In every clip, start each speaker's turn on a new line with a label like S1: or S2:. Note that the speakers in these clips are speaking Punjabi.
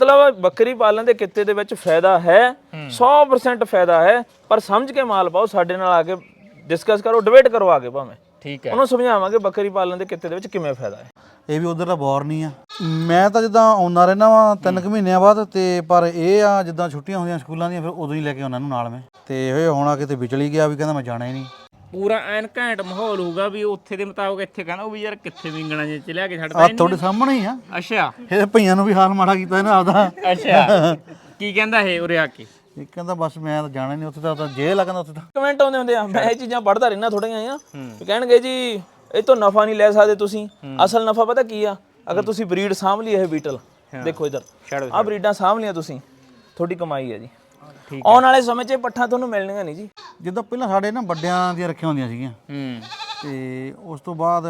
S1: मतलब बकरी पालन के किते दे विच फायदा है 100% फायदा है पर समझ के माल पाओ साडे नाल आके डिस्कस करो डिबेट करो आगे भावें
S2: ठीक है
S1: ਉਹਨੂੰ ਸਮਝਾਵਾਂਗੇ ਬੱਕਰੀ ਪਾਲਣ ਦੇ ਕਿੱਤੇ ਦੇ ਵਿੱਚ ਕਿਵੇਂ ਫਾਇਦਾ ਹੈ।
S3: ਇਹ ਵੀ ਉਧਰ ਦਾ ਬੌਰ ਨਹੀਂ ਆ। ਮੈਂ ਤਾਂ ਜਿੱਦਾਂ ਆਉਂਦਾ ਰਹਿਣਾ ਵਾ 3 ਮਹੀਨਿਆਂ ਬਾਅਦ ਤੇ ਪਰ ਇਹ ਆ ਜਿੱਦਾਂ ਛੁੱਟੀਆਂ ਹੁੰਦੀਆਂ ਸਕੂਲਾਂ ਦੀਆਂ ਫਿਰ ਉਦੋਂ ਹੀ ਲੈ ਕੇ ਆਉਣਾ ਨੂੰ ਨਾਲ ਮੈਂ ਤੇ ਇਹ ਹੋਣਾ ਕਿਤੇ ਵਿਚਲੀ ਗਿਆ ਵੀ ਕਹਿੰਦਾ ਮੈਂ ਜਾਣਾ ਹੀ ਨਹੀਂ।
S2: ਪੂਰਾ ਐਨ ਘੈਂਟ ਮਾਹੌਲ ਹੋਊਗਾ ਵੀ ਉੱਥੇ ਦੇ ਮੁਤਾਬਕ ਇੱਥੇ ਕਹਿੰਦਾ ਉਹ ਵੀ ਯਾਰ ਕਿੱਥੇ ਵਿੰਗਣਾ ਜੇ ਚ ਲਿਆ ਕੇ ਛੱਡਦਾ
S3: ਆ ਤੁਹਾਡੇ ਸਾਹਮਣੇ ਹੀ ਆ।
S2: ਅੱਛਾ
S3: ਇਹ ਭਈਆਂ ਨੂੰ ਵੀ ਹਾਲ ਮਾੜਾ ਕੀਤਾ ਇਹਨੇ ਆਪਦਾ।
S2: ਅੱਛਾ ਕੀ ਕਹਿੰਦਾ ਇਹ ਉਰੇ ਆ ਕੇ?
S3: ਇਹ ਕਹਿੰਦਾ ਬਸ ਮੈਂ ਤਾਂ ਜਾਣਾ ਨਹੀਂ ਉੱਥੇ ਤਾਂ ਜੇਲ੍ਹ ਆ ਕਹਿੰਦਾ ਉੱਥੇ ਤਾਂ।
S1: ਕਮੈਂਟ ਆਉਂਦੇ ਹੁੰਦੇ ਆ ਮੈਂ ਇਹ ਚੀਜ਼ਾਂ ਪੜ੍ਹਦਾ ਰਹਿਣਾ ਥੋੜੀਆਂ ਆ ਕਹਿਣਗੇ ਜੀ ਇਹ ਤੋਂ ਨਫਾ ਨਹੀਂ ਲੈ ਸਕਦੇ ਤੁਸੀਂ ਅਸਲ ਨਫਾ ਪਤਾ ਕੀ ਆ ਅਗਰ ਤੁਸੀਂ ਬਰੀਡ ਸਾਂਭ ਲਈ ਇਹ ਬੀਟਲ ਦੇਖੋ ਇਧਰ ਆ ਬਰੀਡਾਂ ਸਾਂਭ ਲੀਆਂ ਤੁਸੀਂ ਤੁਹਾਡੀ ਕਮਾਈ ਹੈ ਜੀ। ਆਉਣ ਵਾਲੇ ਸਮੇਂ 'ਚ ਪੱਠਾਂ ਤੁਹਾਨੂੰ ਮਿਲਣੀਆਂ ਨਹੀਂ ਜੀ।
S3: ਜਿੱਦਾਂ ਪਹਿਲਾਂ ਸਾਡੇ ਨਾ ਵੱਡਿਆਂ ਦੀਆਂ ਰੱਖੀਆਂ ਹੁੰਦੀਆਂ ਸੀਗੀਆਂ ਤੇ ਉਸ ਤੋਂ ਬਾਅਦ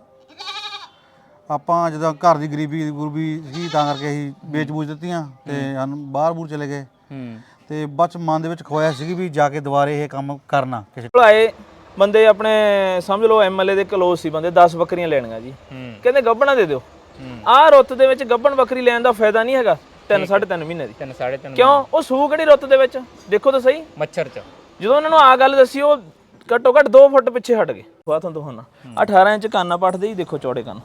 S3: ਆਪਾਂ ਜਦੋਂ ਘਰ ਦੀ ਗਰੀਬੀ ਗੁਰਬੀ ਸੀ ਤਾਂ ਕਰਕੇ ਅਸੀਂ ਵੇਚ ਬੂਝ ਦਿੱਤੀਆਂ ਤੇ ਸਾਨੂੰ ਬਾਹਰ ਬੂਰ ਚਲੇ ਗਏ ਤੇ ਬਸ ਮਨ ਦੇ ਵਿੱਚ ਖੋਇਆ ਸੀ ਵੀ ਜਾ ਕੇ ਦੁਬਾਰੇ ਇਹ ਕੰਮ ਕਰਨਾ ਕਿਸੇ
S1: ਕੋਲ ਆਏ ਬੰਦੇ ਆਪਣੇ ਸਮਝ ਲਓ ਐਮਐਲਏ ਦੇ ਕਲੋਜ਼ ਸੀ ਬੰਦੇ 10 ਬੱਕਰੀਆਂ ਲੈਣੀਆਂ ਜੀ ਕਹਿੰਦੇ ਗੱਭਣਾ ਦੇ ਦਿਓ ਆਹ ਰੁੱਤ ਦੇ ਵਿੱਚ ਗੱਭਣ ਬੱਕਰੀ ਲੈਣ ਦਾ ਫਾਇਦਾ ਨਹੀਂ ਹੈਗਾ 3.5 ਮਹੀਨੇ ਦੀ
S2: 3.5
S1: ਕਿਉਂ ਉਹ ਸੂ ਕਿਹੜੀ ਰੁੱਤ ਦੇ ਵਿੱਚ ਦੇਖੋ ਤਾਂ ਸਹੀ
S2: ਮੱਛਰ ਚ
S1: ਜਦੋਂ ਉਹਨਾਂ ਨੂੰ ਆ ਗੱਲ ਦੱਸੀ ਉਹ ਘੱਟੋ ਘੱਟ 2 ਫੁੱਟ ਪਿੱਛੇ ਹਟ ਗਏ ਬਾਤ ਤੁਹਾਨੂੰ ਦਿਖਾਉਣਾ 18 ਇੰਚ ਕੰਨ ਪੱਟਦੇ ਜੀ ਦੇਖੋ ਚੌੜੇ ਕੰਨ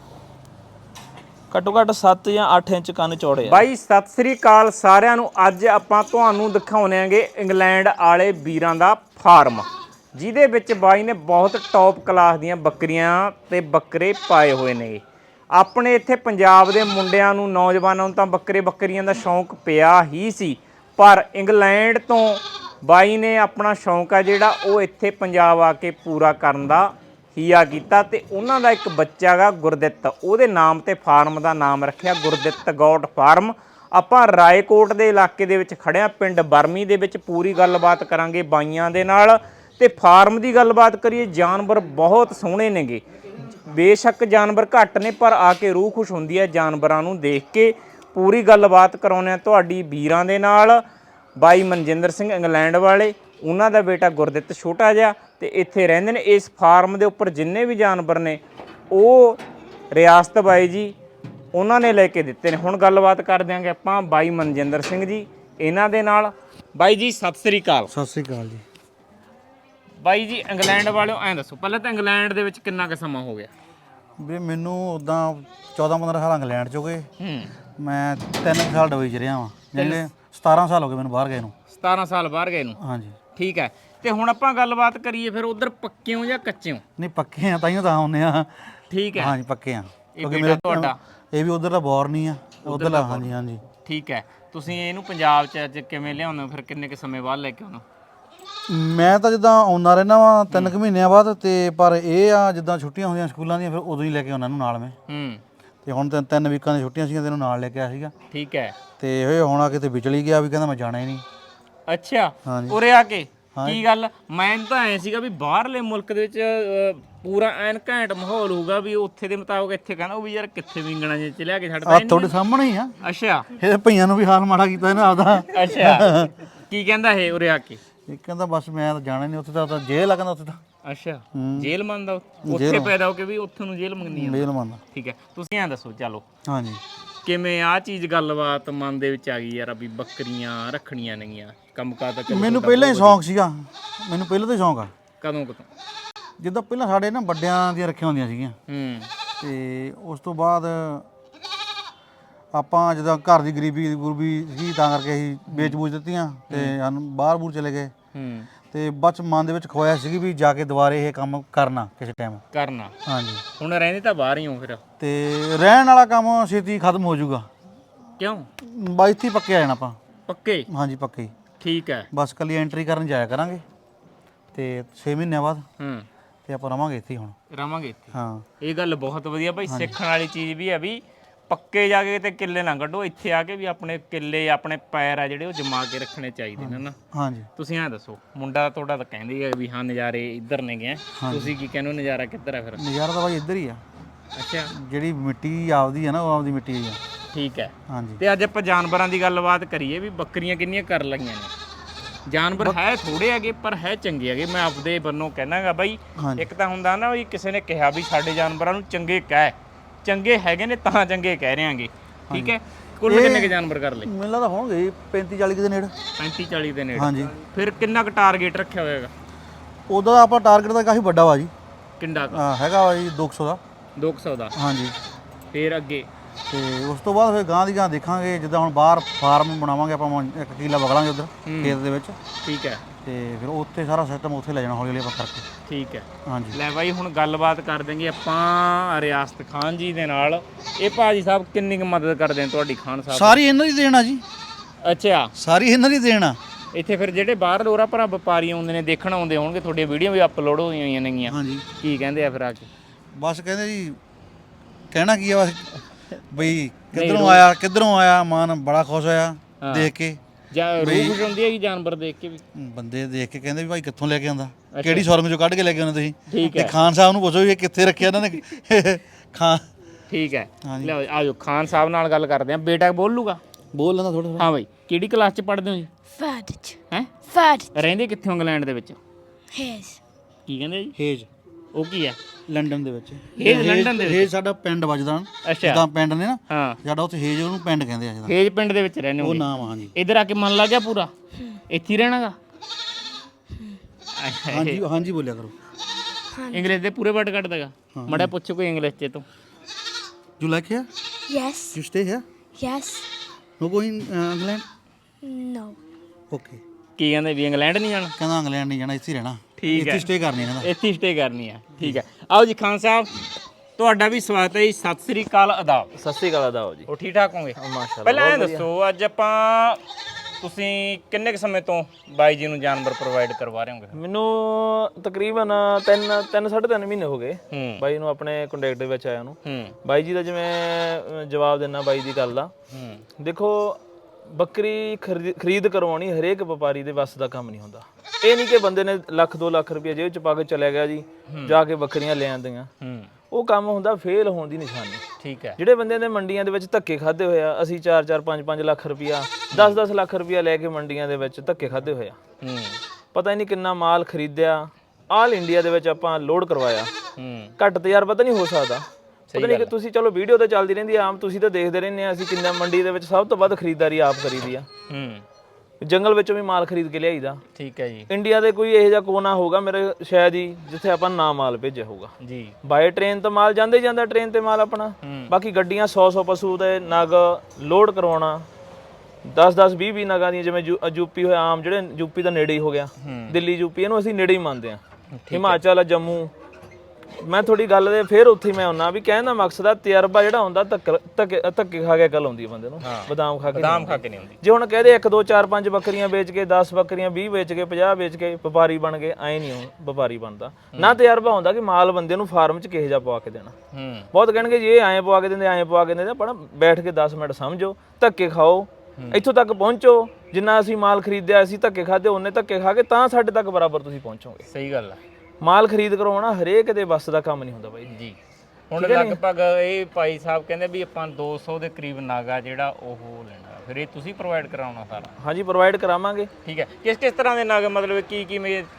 S1: ਘੱਟੋ ਘੱਟ 7 ਜਾਂ 8 ਇੰਚ ਕੰਨ ਚੌੜੇ ਆ।
S2: ਬਾਈ ਸਤਿ ਸ੍ਰੀ ਅਕਾਲ ਸਾਰਿਆਂ ਨੂੰ। ਅੱਜ ਆਪਾਂ ਤੁਹਾਨੂੰ ਦਿਖਾਉਣੇ ਆਂਗੇ ਇੰਗਲੈਂਡ ਵਾਲੇ ਵੀਰਾਂ ਦਾ ਫਾਰਮ ਜਿਹਦੇ ਵਿੱਚ ਬਾਈ ਨੇ ਬਹੁਤ ਟੌਪ ਕਲਾਸ ਦੀਆਂ ਬੱਕਰੀਆਂ ਤੇ ਬੱਕਰੇ ਪਾਏ ਹੋਏ ਨੇ। ਆਪਣੇ ਇੱਥੇ ਪੰਜਾਬ ਦੇ ਮੁੰਡਿਆਂ ਨੂੰ ਨੌਜਵਾਨਾਂ ਨੂੰ ਤਾਂ ਬੱਕਰੀਆਂ ਦਾ ਸ਼ੌਂਕ ਪਿਆ ਹੀ ਸੀ ਪਰ ਇੰਗਲੈਂਡ ਤੋਂ ਬਾਈ ਨੇ ਆਪਣਾ ਸ਼ੌਂਕ ਆ ਜਿਹੜਾ ਉਹ ਇੱਥੇ ਪੰਜਾਬ ਆ ਕੇ ਪੂਰਾ ਕਰਨ ਦਾ ਹੀਆ ਕੀਤਾ ਤੇ ਉਹਨਾਂ ਦਾ ਇੱਕ ਬੱਚਾ ਗਾ ਗੁਰਦਿੱਤ ਉਹਦੇ ਨਾਮ ਤੇ ਫਾਰਮ ਦਾ ਨਾਮ ਰੱਖਿਆ ਗੁਰਦਿੱਤ ਗੌਟ ਫਾਰਮ। ਆਪਾਂ ਰਾਏਕੋਟ ਦੇ ਇਲਾਕੇ ਦੇ ਵਿੱਚ ਖੜਿਆ ਪਿੰਡ ਬਰਮੀ ਦੇ ਵਿੱਚ ਪੂਰੀ ਗੱਲਬਾਤ ਕਰਾਂਗੇ ਬਾਈਆਂ ਦੇ ਨਾਲ ਤੇ ਫਾਰਮ ਦੀ ਗੱਲਬਾਤ ਕਰੀਏ। ਜਾਨਵਰ ਬਹੁਤ ਸੋਹਣੇ ਨੇਗੇ ਬੇਸ਼ੱਕ ਜਾਨਵਰ ਘੱਟ ਨੇ ਪਰ ਆ ਕੇ ਰੂਹ ਖੁਸ਼ ਹੁੰਦੀ ਹੈ ਜਾਨਵਰਾਂ ਨੂੰ ਦੇਖ ਕੇ। ਪੂਰੀ ਗੱਲਬਾਤ ਕਰਾਉਂਦੇ ਆ ਤੁਹਾਡੀ ਵੀਰਾਂ ਦੇ ਨਾਲ। ਬਾਈ ਮਨਜਿੰਦਰ ਸਿੰਘ ਇੰਗਲੈਂਡ ਵਾਲੇ ਉਹਨਾਂ ਦਾ ਬੇਟਾ ਗੁਰਦਿੱਤ ਛੋਟਾ ਜਿਹਾ ਤੇ ਇੱਥੇ ਰਹਿੰਦੇ ਨੇ। ਇਸ ਫਾਰਮ ਦੇ ਉੱਪਰ ਜਿੰਨੇ ਵੀ ਜਾਨਵਰ ਨੇ ਉਹ ਰਿਆਸਤ ਬਾਈ ਜੀ ਉਹਨਾਂ ਨੇ ਲੈ ਕੇ ਦਿੱਤੇ ਨੇ। ਹੁਣ ਗੱਲਬਾਤ ਕਰ ਦਿਆਂਗੇ ਆਪਾਂ ਬਾਈ ਮਨਜਿੰਦਰ ਸਿੰਘ ਜੀ ਇਹਨਾਂ ਦੇ ਨਾਲ। ਬਾਈ ਜੀ ਸਤਿ ਸ੍ਰੀ ਅਕਾਲ।
S3: ਸਤਿ ਸ੍ਰੀ ਅਕਾਲ ਜੀ।
S2: ਬਾਈ ਜੀ ਇੰਗਲੈਂਡ ਵਾਲਿਓ ਐਂ ਦੱਸੋ ਪਹਿਲਾਂ ਤਾਂ ਇੰਗਲੈਂਡ ਦੇ ਵਿੱਚ ਕਿੰਨਾ ਕੁ ਸਮਾਂ ਹੋ ਗਿਆ?
S3: ਵੀ ਮੈਨੂੰ ਉਦਾਂ 14-15 ਸਾਲ ਇੰਗਲੈਂਡ 'ਚ ਹੋ ਗਏ। ਮੈਂ 3 ਸਾਲ ਦੁਬਈ 'ਚ ਰਿਹਾ ਵਾਂ ਜਿਹੜੇ 17 ਸਾਲ ਹੋ ਗਏ ਮੈਨੂੰ ਬਾਹਰ ਗਏ ਨੂੰ।
S2: 17 ਸਾਲ ਬਾਹਰ ਗਏ ਨੂੰ।
S3: ਹਾਂਜੀ
S2: ਠੀਕ ਹੈ ਤੇ ਹੁਣ ਆਪਾਂ ਗੱਲਬਾਤ ਕਰੀਏ ਫਿਰ ਉਧਰ ਪੱਕੇ ਹੋ ਜਾਂ ਕੱਚੇ ਹੋ?
S3: ਨਹੀਂ ਪੱਕੇ ਆ ਤਾਈਓ ਤਾਂ ਆਉਂਦੇ ਆ।
S2: ਠੀਕ ਹੈ
S3: ਹਾਂਜੀ ਪੱਕੇ ਆ
S2: ਇਹ ਬੇਟਾ ਤੁਹਾਡਾ
S3: ਇਹ ਵੀ ਉਧਰ ਦਾ ਬੌਰ ਨਹੀਂ ਆ ਉਧਰ ਦਾ। ਹਾਂਜੀ ਹਾਂਜੀ
S2: ਠੀਕ ਹੈ ਤੁਸੀਂ ਇਹਨੂੰ ਪੰਜਾਬ 'ਚ ਅੱਜ ਕਿਵੇਂ ਲਿਆਉਂਦੇ ਹੋ ਫਿਰ ਕਿੰਨੇ ਕੁ ਸਮੇਂ ਬਾਅਦ ਲੈ ਕੇ ਆਉਂਦੇ ਹੋ?
S3: ਮੈਂ ਤਾਂ ਜਿੱਦਾਂ ਆਉਂਦਾ ਰਹਿਣਾ ਵਾ 3 ਮਹੀਨਿਆਂ ਬਾਅਦ ਤੇ ਪਰ ਇਹ ਆ ਜਿੱਦਾਂ ਛੁੱਟੀਆਂ ਹੁੰਦੀਆਂ ਸਕੂਲਾਂ ਦੀਆਂ ਫਿਰ ਉਦੋਂ ਹੀ ਲੈ ਕੇ ਆਉਣਾ ਨੂੰ ਨਾਲ ਮੈਂ ਤੇ ਹੁਣ 3 ਵੀਕਾਂ ਦੀਆਂ ਛੁੱਟੀਆਂ ਸੀਗੀਆਂ ਤੇ ਇਹਨੂੰ ਨਾਲ ਲੈ ਕੇ ਆਇਆ ਸੀਗਾ।
S2: ਠੀਕ ਹੈ
S3: ਤੇ ਇਹ ਹੋਣਾ ਕਿਤੇ ਵਿਚਲੀ ਗਿਆ ਵੀ ਕਹਿੰਦਾ ਮੈਂ ਜਾਣਾ ਹੀ ਨਹੀਂ।
S2: ਅੱਛਾ ਉਰੇ ਆ ਕੇ ਕੀ ਗੱਲ? ਮੈਂ ਤਾਂ ਐ ਸੀਗਾ ਵੀ ਬਾਹਰਲੇ ਮੁਲਕ ਦੇ ਵਿੱਚ ਪੂਰਾ ਐਨ ਘੈਂਟ ਮਾਹੌਲ ਹੋਊਗਾ ਵੀ ਉੱਥੇ ਦੇ ਮੁਤਾਬਕ ਇੱਥੇ ਕਹਿੰਦਾ ਉਹ ਵੀ ਯਾਰ ਕਿੱਥੇ ਵਿੰਗਣਾ ਜੇ ਚ ਲਿਆ ਕੇ ਛੱਡਦਾ।
S3: ਆ ਤੁਹਾਡੇ ਸਾਹਮਣੇ ਹੀ ਆ।
S2: ਅੱਛਾ
S3: ਇਹ ਭਈਆਂ ਨੂੰ ਵੀ ਹਾਲ ਮਾੜਾ ਕੀਤਾ ਇਹਨੇ ਆਪਦਾ।
S2: ਅੱਛਾ ਕੀ ਕਹਿੰਦਾ ਇਹ ਉਰੇ ਆ ਕੇ?
S3: ਇਹ ਕਹਿੰਦਾ ਬਸ ਮੈਂ ਤਾਂ ਜਾਣਾ ਨਹੀਂ ਉੱਥੇ ਤਾਂ ਜੇਲ੍ਹ ਆ ਕਹਿੰਦਾ ਉੱਥੇ ਤਾਂ।
S2: ਅੱਛਾ ਜੇਲ੍ਹ ਮੰਨਦਾ ਉੱਥੇ ਪੈਦਾ ਹੋ ਕੇ ਵੀ ਉੱਥੇ ਨੂੰ ਜੇਲ੍ਹ ਮੰਗਣੀ ਆ?
S3: ਜੇਲ੍ਹ ਮੰਨਦਾ।
S2: ਠੀਕ ਹੈ ਤੁਸੀਂ ਐਂ ਦੱਸੋ ਚਲੋ
S3: ਹਾਂਜੀ
S2: ਕਿਵੇਂ ਆ ਚੀਜ਼ ਗੱਲਬਾਤ ਮਨ ਦੇ ਵਿੱਚ ਆ ਗਈ ਯਾਰ ਵੀ ਬੱਕਰੀਆਂ ਰੱਖਣੀਆਂ ਨੇਗੀਆਂ ਕੰਮ ਕਾਰ ਤਾਂ?
S3: ਮੈਨੂੰ ਪਹਿਲਾਂ ਹੀ ਸ਼ੌਂਕ ਸੀਗਾ। ਮੈਨੂੰ ਪਹਿਲਾਂ ਤੋਂ ਹੀ ਸ਼ੌਂਕ ਆ।
S2: ਕਦੋਂ
S3: ਜਿੱਦਾਂ ਪਹਿਲਾਂ ਸਾਡੇ ਨਾ ਵੱਡਿਆਂ ਦੀਆਂ ਰੱਖੀਆਂ ਹੁੰਦੀਆਂ ਸੀਗੀਆਂ ਤੇ ਉਸ ਤੋਂ ਬਾਅਦ ਆਪਾਂ ਜਦੋਂ ਘਰ ਦੀ ਗਰੀਬੀ ਗੁਰਬੀ ਸੀ ਤਾਂ ਕਰਕੇ ਅਸੀਂ ਵੇਚ ਬੂਝ ਦਿੱਤੀਆਂ ਤੇ ਸਾਨੂੰ ਬਾਹਰ ਬੂਰ ਚਲੇ ਗਏ ਤੇ ਬਸ ਮਨ ਦੇ ਵਿੱਚ ਖੋਇਆ ਸੀ ਵੀ ਜਾ ਕੇ ਦੁਬਾਰੇ ਇਹ ਕੰਮ ਕਰਨਾ ਕਿਸੇ ਟਾਈਮ
S2: ਕਰਨਾ।
S3: ਹਾਂਜੀ
S2: ਹੁਣ ਰਹਿੰਦੇ ਤਾਂ ਬਾਹਰ ਹੀ ਹੋ ਫਿਰ?
S3: ਤੇ ਰਹਿਣ ਵਾਲਾ ਕੰਮ ਛੇਤੀ ਖਤਮ ਹੋ ਜਾਊਗਾ।
S2: ਕਿਉਂ?
S3: ਬਸ ਇੱਥੇ ਹੀ ਪੱਕੇ ਆ ਜਾਣਾ ਆਪਾਂ।
S2: ਪੱਕੇ?
S3: ਹਾਂਜੀ ਪੱਕੇ।
S2: ਠੀਕ ਹੈ
S3: ਬਸ ਕੱਲੀ ਐਂਟਰੀ ਕਰਨ ਜਾਇਆ ਕਰਾਂਗੇ ਤੇ 6 ਮਹੀਨਿਆਂ ਬਾਅਦ ਤੇ ਆਪਾਂ ਰਵਾਂਗੇ ਇੱਥੇ ਹੁਣ।
S2: ਰਵਾਂਗੇ ਇੱਥੇ?
S3: ਹਾਂ
S2: ਇਹ ਗੱਲ ਬਹੁਤ ਵਧੀਆ ਭਾਈ। ਸਿੱਖਣ ਵਾਲੀ ਚੀਜ਼ ਵੀ ਹੈ ਵੀ ਪੱਕੇ ਜਾ ਕੇ ਤੇ ਕਿੱਲੇ ਨਾ ਕੱਢੋ, ਇੱਥੇ ਆ ਕੇ ਵੀ ਆਪਣੇ ਕਿੱਲੇ ਆਪਣੇ ਪੈਰ ਆ ਜਿਹੜੇ ਉਹ ਜਮਾ ਕੇ ਰੱਖਣੇ ਚਾਹੀਦੇ ਨੇ ਨਾ।
S3: ਹਾਂਜੀ
S2: ਤੁਸੀਂ ਐਂ ਦੱਸੋ ਮੁੰਡਾ ਤੁਹਾਡਾ ਤਾਂ ਕਹਿੰਦੇ ਆ ਵੀ ਹਾਂ ਨਜ਼ਾਰੇ ਇੱਧਰ ਨੇ ਗਏ, ਤੁਸੀਂ ਕੀ ਕਹਿੰਦੇ ਹੋ ਨਜ਼ਾਰਾ ਕਿੱਧਰ ਆ ਫਿਰ?
S3: ਨਜ਼ਾਰਾ ਤਾਂ ਬਾਈ ਇੱਧਰ ਹੀ ਆ।
S2: ਅੱਛਾ
S3: ਜਿਹੜੀ ਮਿੱਟੀ ਆਪਦੀ ਆ ਨਾ ਉਹ ਆਪਦੀ ਮਿੱਟੀ ਆ।
S2: ਠੀਕ ਹੈ।
S3: ਹਾਂਜੀ
S2: ਤੇ ਅੱਜ ਆਪਾਂ ਜਾਨਵਰਾਂ ਦੀ ਗੱਲਬਾਤ ਕਰੀਏ ਵੀ ਬੱਕਰੀਆਂ ਕਿੰਨੀਆਂ ਕਰ ਲਈਆਂ ਨੇ। ਜਾਨਵਰ ਹੈ ਥੋੜੇ ਹੈਗੇ ਪਰ ਹੈ ਚੰਗੇ ਹੈਗੇ। ਮੈਂ ਆਪਦੇ ਵੱਲੋਂ ਕਹਿਣਾਗਾ ਬਾਈ ਇੱਕ ਤਾਂ ਹੁੰਦਾ ਨਾ ਵੀ ਕਿਸੇ ਨੇ ਕਿਹਾ ਵੀ ਸਾਡੇ ਜਾਨਵਰਾਂ ਨੂੰ ਚੰਗੇ ਕਹਿ, ਚੰਗੇ ਹੈਗੇ ਨੇ ਤਾਂ ਚੰਗੇ ਕਹਿ ਰਹੇ ਆਂਗੇ। ਠੀਕ ਹੈ ਕੁੱਲ ਕਿੰਨੇ ਕੁ ਜਾਨਵਰ ਕਰ ਲਏ?
S3: ਮੈਨੂੰ ਲੱਗਦਾ ਹੋਣਗੇ 35 40 ਦੇ ਨੇੜੇ।
S2: 35 40 ਦੇ ਨੇੜੇ।
S3: ਹਾਂਜੀ।
S2: ਫਿਰ ਕਿੰਨਾ ਕੁ ਟਾਰਗੇਟ ਰੱਖਿਆ ਹੋਏਗਾ?
S3: ਉਹਦਾ ਆਪਾਂ ਟਾਰਗੇਟ ਤਾਂ ਕਾਫੀ ਵੱਡਾ ਵਾ ਜੀ।
S2: ਕਿੰਨਾ ਕੁ?
S3: ਹੈਗਾ ਵਾ ਜੀ 200 ਦਾ।
S2: 200 ਦਾ।
S3: ਹਾਂਜੀ।
S2: ਫਿਰ ਅੱਗੇ
S3: ਤੇ ਉਸ ਤੋਂ ਬਾਅਦ ਫਿਰ ਗਾਂ ਦੀ ਗਾਂ ਦੇਖਾਂਗੇ, ਜਿੱਦਾਂ ਹੁਣ ਬਾਹਰ ਫਾਰਮ ਬਣਾਵਾਂਗੇ ਆਪਾਂ, 1 ਕਿੱਲਾ ਵਗਲਾਂਗੇ ਉਧਰ ਖੇਤ ਦੇ ਵਿੱਚ।
S2: ਠੀਕ ਹੈ।
S3: ਤੇ ਫਿਰ ਉੱਥੇ ਸਾਰਾ ਸਿਸਟਮ ਉੱਥੇ ਲੈ ਜਾਣਾ ਹੌਲੀ ਹੌਲੀ ਆਪਾਂ ਕਰਕੇ।
S2: ਠੀਕ ਹੈ।
S3: ਹਾਂਜੀ।
S2: ਲੈ ਬਾਈ ਹੁਣ ਗੱਲਬਾਤ ਕਰ ਦੇਂਗੇ ਆਪਾਂ ਰਿਆਸਤ ਖਾਨ ਜੀ ਦੇ ਨਾਲ। ਇਹ ਭਾਜੀ ਸਾਹਿਬ ਕਿੰਨੀ ਕੁ ਮਦਦ ਕਰਦੇ ਨੇ ਤੁਹਾਡੀ ਖਾਨ ਸਾਹਿਬ?
S3: ਸਾਰੀ ਇਹਨਾਂ ਦੀ ਦੇਣ ਆ ਜੀ।
S2: ਅੱਛਾ,
S3: ਸਾਰੀ ਇਹਨਾਂ ਦੀ ਦੇਣ ਆ।
S2: ਇੱਥੇ ਫਿਰ ਜਿਹੜੇ ਬਾਹਰ ਲੋਰਾ ਭਰਾ ਵਪਾਰੀ ਆਉਂਦੇ ਨੇ, ਦੇਖਣ ਆਉਂਦੇ ਹੋਣਗੇ, ਤੁਹਾਡੀਆਂ ਵੀਡੀਓ ਵੀ ਅਪਲੋਡ ਹੋਈਆਂ ਹੋਈਆਂ ਨੇਗੀਆਂ।
S3: ਹਾਂਜੀ।
S2: ਕੀ ਕਹਿੰਦੇ ਆ ਫਿਰ ਆ ਕੇ?
S3: ਬਸ ਕਹਿੰਦੇ ਜੀ, ਕਹਿਣਾ ਕੀ ਆ ਬਸ ਬਈ ਕਿੱਧਰੋਂ ਆਇਆ ਮਾਨ ਬੜਾ ਖੁਸ਼ ਹੋਇਆ ਦੇਖ ਕੇ।
S2: ਜਾਂ ਰੂਹ ਖੁਸ਼ ਹੁੰਦੀ ਹੈ ਕਿ ਜਾਨਵਰ ਦੇਖ ਕੇ ਵੀ?
S3: ਬੰਦੇ ਦੇਖ ਕੇ ਕਹਿੰਦੇ ਵੀ ਭਾਈ ਕਿੱਥੋਂ ਲੈ ਕੇ ਆਂਦਾ, ਕਿਹੜੀ ਸੁਰੰਗ ਚੋਂ ਕੱਢ ਕੇ ਲੈ ਕੇ ਆਉਂਦੇ ਤੁਸੀਂ।
S2: ਠੀਕ ਹੈ।
S3: ਤੇ ਖਾਨ ਸਾਹਿਬ ਨੂੰ ਪੁੱਛੋ ਵੀ ਇਹ ਕਿੱਥੇ ਰੱਖਿਆ ਇਹਨਾਂ ਨੇ ਖਾਨ।
S2: ਠੀਕ ਹੈ। ਲਓ ਆਜੋ ਖਾਨ ਸਾਹਿਬ ਨਾਲ ਗੱਲ ਕਰਦੇ ਆ। ਬੇਟਾ ਬੋਲ ਲੂਗਾ?
S3: ਬੋਲ ਲੈਂਦਾ ਥੋੜਾ।
S2: ਹਾਂ ਬਾਈ, ਕਿਹੜੀ ਕਲਾਸ ਚ ਪੜ੍ਹਦੇ ਹੋ ਜੀ?
S4: Third.
S2: ਹੈ
S4: Third.
S2: ਰਹਿੰਦੇ ਕਿੱਥੇ ਹੋ ਇੰਗਲੈਂਡ ਦੇ ਵਿੱਚ?
S4: His.
S2: ਕੀ ਕਹਿੰਦੇ ਜੀ?
S3: ਹੇਜ
S2: ਉਹ ਕੀ ਹੈ?
S3: ਲੰਡਨ ਦੇ ਵਿੱਚ।
S2: ਹੇਜ ਲੰਡਨ ਦੇ ਵਿੱਚ?
S3: ਹੇਜ ਸਾਡਾ ਪਿੰਡ ਵੱਜਦਾ।
S2: ਅੱਛਾ।
S3: ਜਿੱਦਾਂ ਪਿੰਡ ਨੇ ਨਾ
S2: ਹਾਂ,
S3: ਸਾਡਾ ਉੱਥੇ ਹੇਜ, ਉਹਨੂੰ ਪਿੰਡ ਕਹਿੰਦੇ ਆ।
S2: ਹੇਜ ਪਿੰਡ ਦੇ ਵਿੱਚ ਰਹਿੰਦੇ
S3: ਉਹ
S2: ਹੋ?
S3: ਨਾਮ ਆ। ਹਾਂਜੀ।
S2: ਇੱਧਰ ਆ ਕੇ ਮਨ ਲੱਗ ਗਿਆ ਪੂਰਾ? ਇੱਥੇ ਹੀ ਰਹਿਣਾਗਾ?
S3: ਹਾਂਜੀ ਹਾਂਜੀ ਬੋਲਿਆ ਕਰੋ।
S2: ਇੰਗਲਿਸ਼ ਦੇ ਪੂਰੇ ਵਰਡ ਕੱਢ ਦੇਗਾ? ਮੜਾ ਪੁੱਛੋ ਕੋਈ ਇੰਗਲਿਸ਼ ਚ ਤੂੰ।
S3: You like here?
S4: Yes.
S3: You stay here?
S4: Yes.
S3: No go in England?
S4: No.
S3: Okay.
S2: ਕੀ ਕਹਿੰਦੇ ਵੀ ਇੰਗਲੈਂਡ ਨਹੀਂ ਜਾਣਾ?
S3: ਕਹਿੰਦਾ ਇੰਗਲੈਂਡ ਨਹੀਂ ਜਾਣਾ, ਇੱਥੇ ਹੀ ਰਹਿਣਾ।
S2: ਠੀਕ ਹੈ।
S3: ਇੱਥੇ ਸਟੇ ਕਰਨੀ ਕਹਿੰਦਾ।
S2: ਇੱਥੇ ਹੀ ਸਟੇ ਕਰਨੀ ਆ। ਠੀਕ ਹੈ। ਆਓ ਜੀ ਖਾਨ ਸਾਹਿਬ, ਤੁਹਾਡਾ ਵੀ ਸਵਾਗਤ ਹੈ ਜੀ। ਸਤਿ ਸ੍ਰੀ ਅਕਾਲ ਆਦਾਬ।
S1: ਸਤਿ ਸ੍ਰੀ ਅਕਾਲ ਆਦਾਬ ਜੀ।
S2: ਉਹ ਠੀਕ ਠਾਕ ਹੋਗੇ?
S1: ਮਾਸ਼ਾਅੱਲਾ।
S2: ਪਹਿਲਾਂ ਇਹ ਦੱਸੋ, ਅੱਜ ਆਪਾਂ ਤੁਸੀਂ ਕਿੰਨੇ ਕੁ ਸਮੇਂ ਤੋਂ ਬਾਈ ਜੀ ਨੂੰ ਜਾਨਵਰ ਪ੍ਰੋਵਾਈਡ ਕਰਵਾ ਰਹੇ ਹੋਗੇ?
S1: ਮੈਨੂੰ ਤਕਰੀਬਨ 3.5 ਮਹੀਨੇ ਹੋ ਗਏ
S2: ਹੂੰ
S1: ਬਾਈ ਨੂੰ ਆਪਣੇ ਕੰਟੈਕਟ ਦੇ ਵਿੱਚ ਆਇਆ ਨੂੰ।
S2: ਹੂੰ
S1: ਬਾਈ ਜੀ ਦਾ ਜਿਵੇਂ ਜਵਾਬ ਦਿੰਨਾ ਬਾਈ ਦੀ ਗੱਲ ਦਾ,
S2: ਹੂੰ
S1: ਦੇਖੋ ਬੱਕਰੀ ਖਰੀਦ ਕਰਵਾਉਣੀ ਹਰੇਕ ਵਪਾਰੀ ਦੇ ਵੱਸ ਦਾ ਕੰਮ ਨਹੀਂ ਹੁੰਦਾ। ਇਹ ਨਹੀਂ ਕਿ ਬੰਦੇ ਨੇ ਲੱਖ 2 ਲੱਖ ਰੁਪਏ ਜੇਬ ਚ ਪਾ ਕੇ ਚਲਿਆ ਗਿਆ ਜੀ, ਜਾ ਕੇ ਬੱਕਰੀਆਂ ਲੈ ਆਂਦੀਆਂ।
S2: ਹੂੰ
S1: ਉਹ ਕੰਮ ਹੁੰਦਾ ਫੇਲ ਹੋਣ ਦੀ ਨਿਸ਼ਾਨੀ।
S2: ਠੀਕ ਹੈ।
S1: ਜਿਹੜੇ ਬੰਦੇ ਨੇ ਮੰਡੀਆਂ ਦੇ ਵਿੱਚ ਧੱਕੇ ਖਾਦੇ ਹੋਏ ਆ, ਅਸੀਂ 4-4 5-5 ਲੱਖ ਰੁਪਇਆ 10-10 ਲੱਖ ਰੁਪਇਆ ਲੈ ਕੇ ਮੰਡੀਆਂ ਦੇ ਵਿੱਚ ਧੱਕੇ ਖਾਦੇ ਹੋਏ ਆ,
S2: ਹੂੰ
S1: ਪਤਾ ਹੀ ਨਹੀਂ ਕਿੰਨਾ ਮਾਲ ਖਰੀਦਿਆ, ਆਲ ਇੰਡੀਆ ਦੇ ਵਿੱਚ ਆਪਾਂ ਲੋਡ ਕਰਵਾਇਆ,
S2: ਹੂੰ
S1: ਘੱਟ ਤਜਰਬਾ ਤਾਂ ਨਹੀਂ ਹੋ ਸਕਦਾ। ਪਤਾ ਨਹੀਂ ਕਿ ਤੁਸੀਂ ਚਲੋ ਵੀਡੀਓ ਤਾਂ ਚੱਲਦੀ ਰਹਿੰਦੀ ਆ, ਆਮ ਤੁਸੀਂ ਤਾਂ ਦੇਖਦੇ ਰਹਿੰਦੇ ਆ, ਅਸੀਂ ਕਿੰਨਾ ਮੰਡੀ ਦੇ ਵਿੱਚ ਸਭ ਤੋਂ ਵੱਧ ਖਰੀਦਦਾਰੀ ਆਪ ਕਰੀਦੀ ਆ।
S2: ਹੂੰ
S1: ਜੰਗਲ ਵਿੱਚੋਂ ਵੀ ਮਾਲ ਖਰੀਦ ਕੇ ਲਿਆਈਦਾ।
S2: ਠੀਕ ਹੈ ਜੀ।
S1: ਇੰਡੀਆ ਦੇ ਕੋਈ ਇਹੋ ਜਿਹਾ ਕੋਨਾ ਹੋਊਗਾ ਮੇਰੇ ਸ਼ਾਇਦ ਹੀ ਜਿੱਥੇ ਆਪਾਂ ਨਾ ਮਾਲ ਭੇਜਿਆ ਹੋਊਗਾ।
S2: ਜੀ।
S1: ਬਾਏ ਟ੍ਰੇਨ ਤਾਂ ਮਾਲ ਜਾਂਦੇ ਜਾਂਦਾ, ਟ੍ਰੇਨ ਤੇ ਮਾਲ ਆਪਣਾ। ਬਾਕੀ ਗੱਡੀਆਂ 100 ਪਸ਼ੂ ਦੇ ਨਗ ਲੋਡ ਕਰਵਾਉਣਾ, 10-10 20-20 ਨਗਾਂ ਦੀਆਂ, ਜਿਵੇਂ ਯੂਪੀ ਹੋਇਆ ਆਮ, ਜਿਹੜੇ ਯੂਪੀ ਦਾ ਨੇੜੇ ਹੀ ਹੋ ਗਿਆ, ਦਿੱਲੀ ਯੂਪੀ ਇਹਨੂੰ ਅਸੀਂ ਨੇੜੇ ਹੀ ਮੰਨਦੇ ਆ, ਹਿਮਾਚਲ ਜੰਮੂ। ਮੈਂ ਥੋੜੀ ਗੱਲ ਦੇ ਫਿਰ ਉੱਥੇ ਹੀ ਮੈਂ ਆਉਣਾ ਵੀ ਕਹਿਣ ਦਾ ਮਕਸਦ ਆ, ਤਜਰਬਾ ਜਿਹੜਾ ਹੁੰਦਾ ਧੱਕੇ ਖਾ ਕੇ ਗੱਲ ਆਉਂਦੀ ਹੈ ਬੰਦੇ ਨੂੰ, ਬਦਾਮ ਖਾ ਕੇ
S2: ਨਹੀਂ ਹੁੰਦੀ।
S1: ਜੇ ਹੁਣ ਕਹਦੇ 1 2 4 5 ਬੱਕਰੀਆਂ ਵੇਚ ਕੇ, 10 ਬੱਕਰੀਆਂ 20 ਵੇਚ ਕੇ, 50 ਵੇਚ ਕੇ ਵਪਾਰੀ ਬਣ ਗਏ, ਐ ਨਹੀਂ ਵਪਾਰੀ ਬਣਦਾ ਨਾ। ਤਜਰਬਾ ਹੁੰਦਾ ਕਿ ਮਾਲ ਬੰਦੇ ਨੂੰ ਫਾਰਮ 'ਚ ਕਿਹੋ ਜਿਹਾ ਪਵਾ ਕੇ ਦੇਣਾ। ਬਹੁਤ ਕਹਿਣਗੇ ਜੀ ਇਹ ਐਂ ਪਵਾ ਕੇ ਦਿੰਦੇ, ਐਂ ਪਵਾ ਕੇ ਦਿੰਦੇ, ਪਰ ਬੈਠ ਕੇ 10 ਮਿੰਟ ਸਮਝੋ, ਧੱਕੇ ਖਾਓ, ਇੱਥੋਂ ਤੱਕ ਪਹੁੰਚੋ। ਜਿੰਨਾ ਅਸੀਂ ਮਾਲ ਖਰੀਦਿਆ, ਅਸੀਂ ਧੱਕੇ ਖਾਦੇ, ਉਹਨੇ ਧੱਕੇ ਖਾ ਕੇ ਤਾਂ ਸਾਡੇ ਤੱਕ ਬਰਾਬਰ ਤੁਸੀਂ ਪਹੁੰਚੋਗੇ।
S2: ਸਹੀ ਗੱਲ ਹੈ।
S1: ਮਾਲ ਖਰੀਦ ਕਰਵਾਉਣਾ ਹਰੇਕ ਦੇ ਵੱਸ ਦਾ ਕੰਮ ਨਹੀਂ ਹੁੰਦਾ ਬਾਈ
S2: ਜੀ। ਹੁਣ ਲਗਭਗ ਇਹ ਭਾਈ ਸਾਹਿਬ ਕਹਿੰਦੇ ਵੀ ਆਪਾਂ 200 ਦੇ ਕਰੀਬ ਨਾਗਾ ਜਿਹੜਾ ਉਹ ਲੈਣਾ, ਫਿਰ ਇਹ ਤੁਸੀਂ ਪ੍ਰੋਵਾਈਡ ਕਰਾਉਣਾ ਸਾਰਾ?
S1: ਹਾਂਜੀ, ਪ੍ਰੋਵਾਈਡ ਕਰਾਵਾਂਗੇ।
S2: ਠੀਕ ਹੈ। ਕਿਸ ਤਰ੍ਹਾਂ ਦੇ ਨਾਗ, ਮਤਲਬ ਕੀ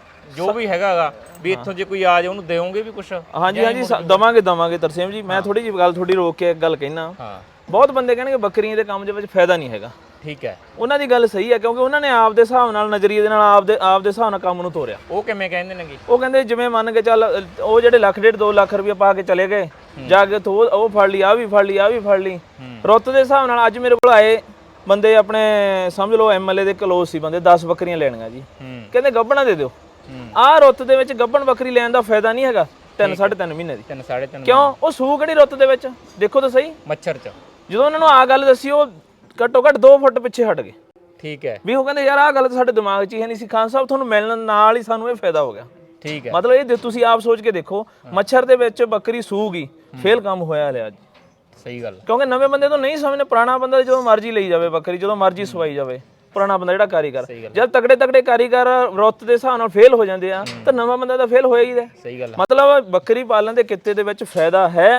S2: ਜੋ ਵੀ ਹੈਗਾਗਾ ਵੀ ਇੱਥੋਂ ਜੇ ਕੋਈ ਆ ਜਾਏ ਉਹਨੂੰ ਦੇਵੋਗੇ ਵੀ ਕੁਛ?
S1: ਹਾਂਜੀ ਦਵਾਂਗੇ ਤਰਸੇਮ ਜੀ। ਮੈਂ ਥੋੜੀ ਜਿਹੀ ਗੱਲ ਥੋੜੀ ਰੋਕ ਕੇ ਇੱਕ ਗੱਲ ਕਹਿਣਾ।
S2: ਹਾਂ।
S1: ਬਹੁਤ ਬੰਦੇ ਕਹਿਣਗੇ ਬੱਕਰੀਆਂ ਦੇ ਕੰਮ ਦੇ ਵਿੱਚ ਫਾਇਦਾ ਨਹੀਂ ਹੈਗਾ।
S2: ਠੀਕ ਹੈ।
S1: ਉਹਨਾਂ ਦੀ ਗੱਲ ਸਹੀ ਹੈ, ਕਿਉਂਕਿ ਉਹਨਾਂ ਨੇ ਆਪ ਦੇ ਹਿਸਾਬ ਨਾਲ, ਨਜ਼ਰੀਏ ਦੇ ਨਾਲ, ਆਪ ਦੇ ਹਿਸਾਬ ਨਾਲ ਕੰਮ ਨੂੰ ਤੋਰਿਆ।
S2: ਉਹ ਕਿਵੇਂ ਕਹਿੰਦੇ ਨੇਗੇ?
S1: ਉਹ ਕਹਿੰਦੇ ਜਿਵੇਂ ਮੰਨ ਕੇ ਚੱਲ, ਉਹ ਜਿਹੜੇ 1.5-2 ਲੱਖ ਰੁਪਏ ਪਾ ਕੇ ਚਲੇ ਗਏ, ਜਾ ਕੇ ਉਹ ਫੜ ਲਈ, ਆ ਵੀ ਫੜ ਲਈ, ਆ ਵੀ ਫੜ ਲਈ, ਰੁੱਤ ਦੇ ਹਿਸਾਬ ਨਾਲ। ਅੱਜ ਮੇਰੇ ਕੋਲ ਆਏ ਬੰਦੇ, ਆਪਣੇ ਸਮਝ ਲਓ MLA ਦੇ ਕਲੋਜ਼ ਸੀ ਬੰਦੇ, 10 ਬੱਕਰੀਆਂ ਲੈਣੀਆਂ ਜੀ, ਕਹਿੰਦੇ ਗੱਭਣਾ ਦੇ ਦਿਓ। ਆਹ ਰੁੱਤ ਦੇ ਵਿੱਚ ਗੱਭਣ ਬੱਕਰੀ ਲੈਣ ਦਾ ਫਾਇਦਾ ਨਹੀਂ ਹੈਗਾ 3-3.5 ਮਹੀਨੇ ਦੀ।
S2: 3-3.5
S1: ਕਿਉਂ? ਉਹ ਸੂ ਕਿਹੜੀ ਰੁੱਤ ਦੇ ਵਿੱਚ, ਦੇਖੋ ਤਾਂ ਸਹੀ।
S2: ਮੱਛਰ ਚ
S1: ਜਦੋਂ ਉਹਨਾਂ ਨੂੰ ਆਹ ਗੱਲ ਦੱਸੀ, ਉਹ ਘੱਟੋ ਘੱਟ 2 ਫੁੱਟ ਪਿੱਛੇ ਹਟ ਗਏ।
S2: ਠੀਕ ਹੈ।
S1: ਵੀ ਉਹ ਕਹਿੰਦੇ ਯਾਰ ਆਹ ਗੱਲ ਤਾਂ ਸਾਡੇ ਦਿਮਾਗ 'ਚ ਹੀ ਹੈ ਨਹੀਂ ਸੀ, ਖਾਨ ਸਾਹਿਬ ਤੁਹਾਨੂੰ ਮਿਲਣ ਨਾਲ ਹੀ ਸਾਨੂੰ ਇਹ ਫਾਇਦਾ ਹੋ ਗਿਆ।
S2: ਠੀਕ ਹੈ।
S1: ਮਤਲਬ ਇਹ ਤੁਸੀਂ ਆਪ ਸੋਚ ਕੇ ਦੇਖੋ, ਮੱਛਰ ਦੇ ਵਿੱਚ ਬੱਕਰੀ ਸੂਗੀ, ਫੇਲ ਕੰਮ ਹੋਇਆ ਲਿਆ ਜੀ।
S2: ਸਹੀ ਗੱਲ।
S1: ਕਿਉਂਕਿ ਨਵੇਂ ਬੰਦੇ ਤੋਂ ਨਹੀਂ ਸਮਝਦੇ, ਪੁਰਾਣਾ ਬੰਦਾ ਜਦੋਂ ਮਰਜ਼ੀ ਲਈ ਜਾਵੇ ਬੱਕਰੀ, ਜਦੋਂ ਮਰਜ਼ੀ ਸਵਾਈ ਜਾਵੇ, ਪੁਰਾਣਾ ਬੰਦਾ ਜਿਹੜਾ ਕਾਰੀਗਰ, ਜਦ ਤਗੜੇ ਕਾਰੀਗਰ ਰੁੱਤ ਦੇ ਹਿਸਾਬ ਨਾਲ ਫੇਲ ਹੋ ਜਾਂਦੇ ਆ, ਤਾਂ ਨਵਾਂ ਬੰਦਾ ਤਾਂ ਫੇਲ ਹੋਇਆ ਹੀ ਹੈ।
S2: ਸਹੀ ਗੱਲ।
S1: ਮਤਲਬ ਬੱਕਰੀ ਪਾਲਣ ਦੇ ਕਿੱਤੇ ਦੇ ਵਿੱਚ ਫਾਇਦਾ ਹੈ,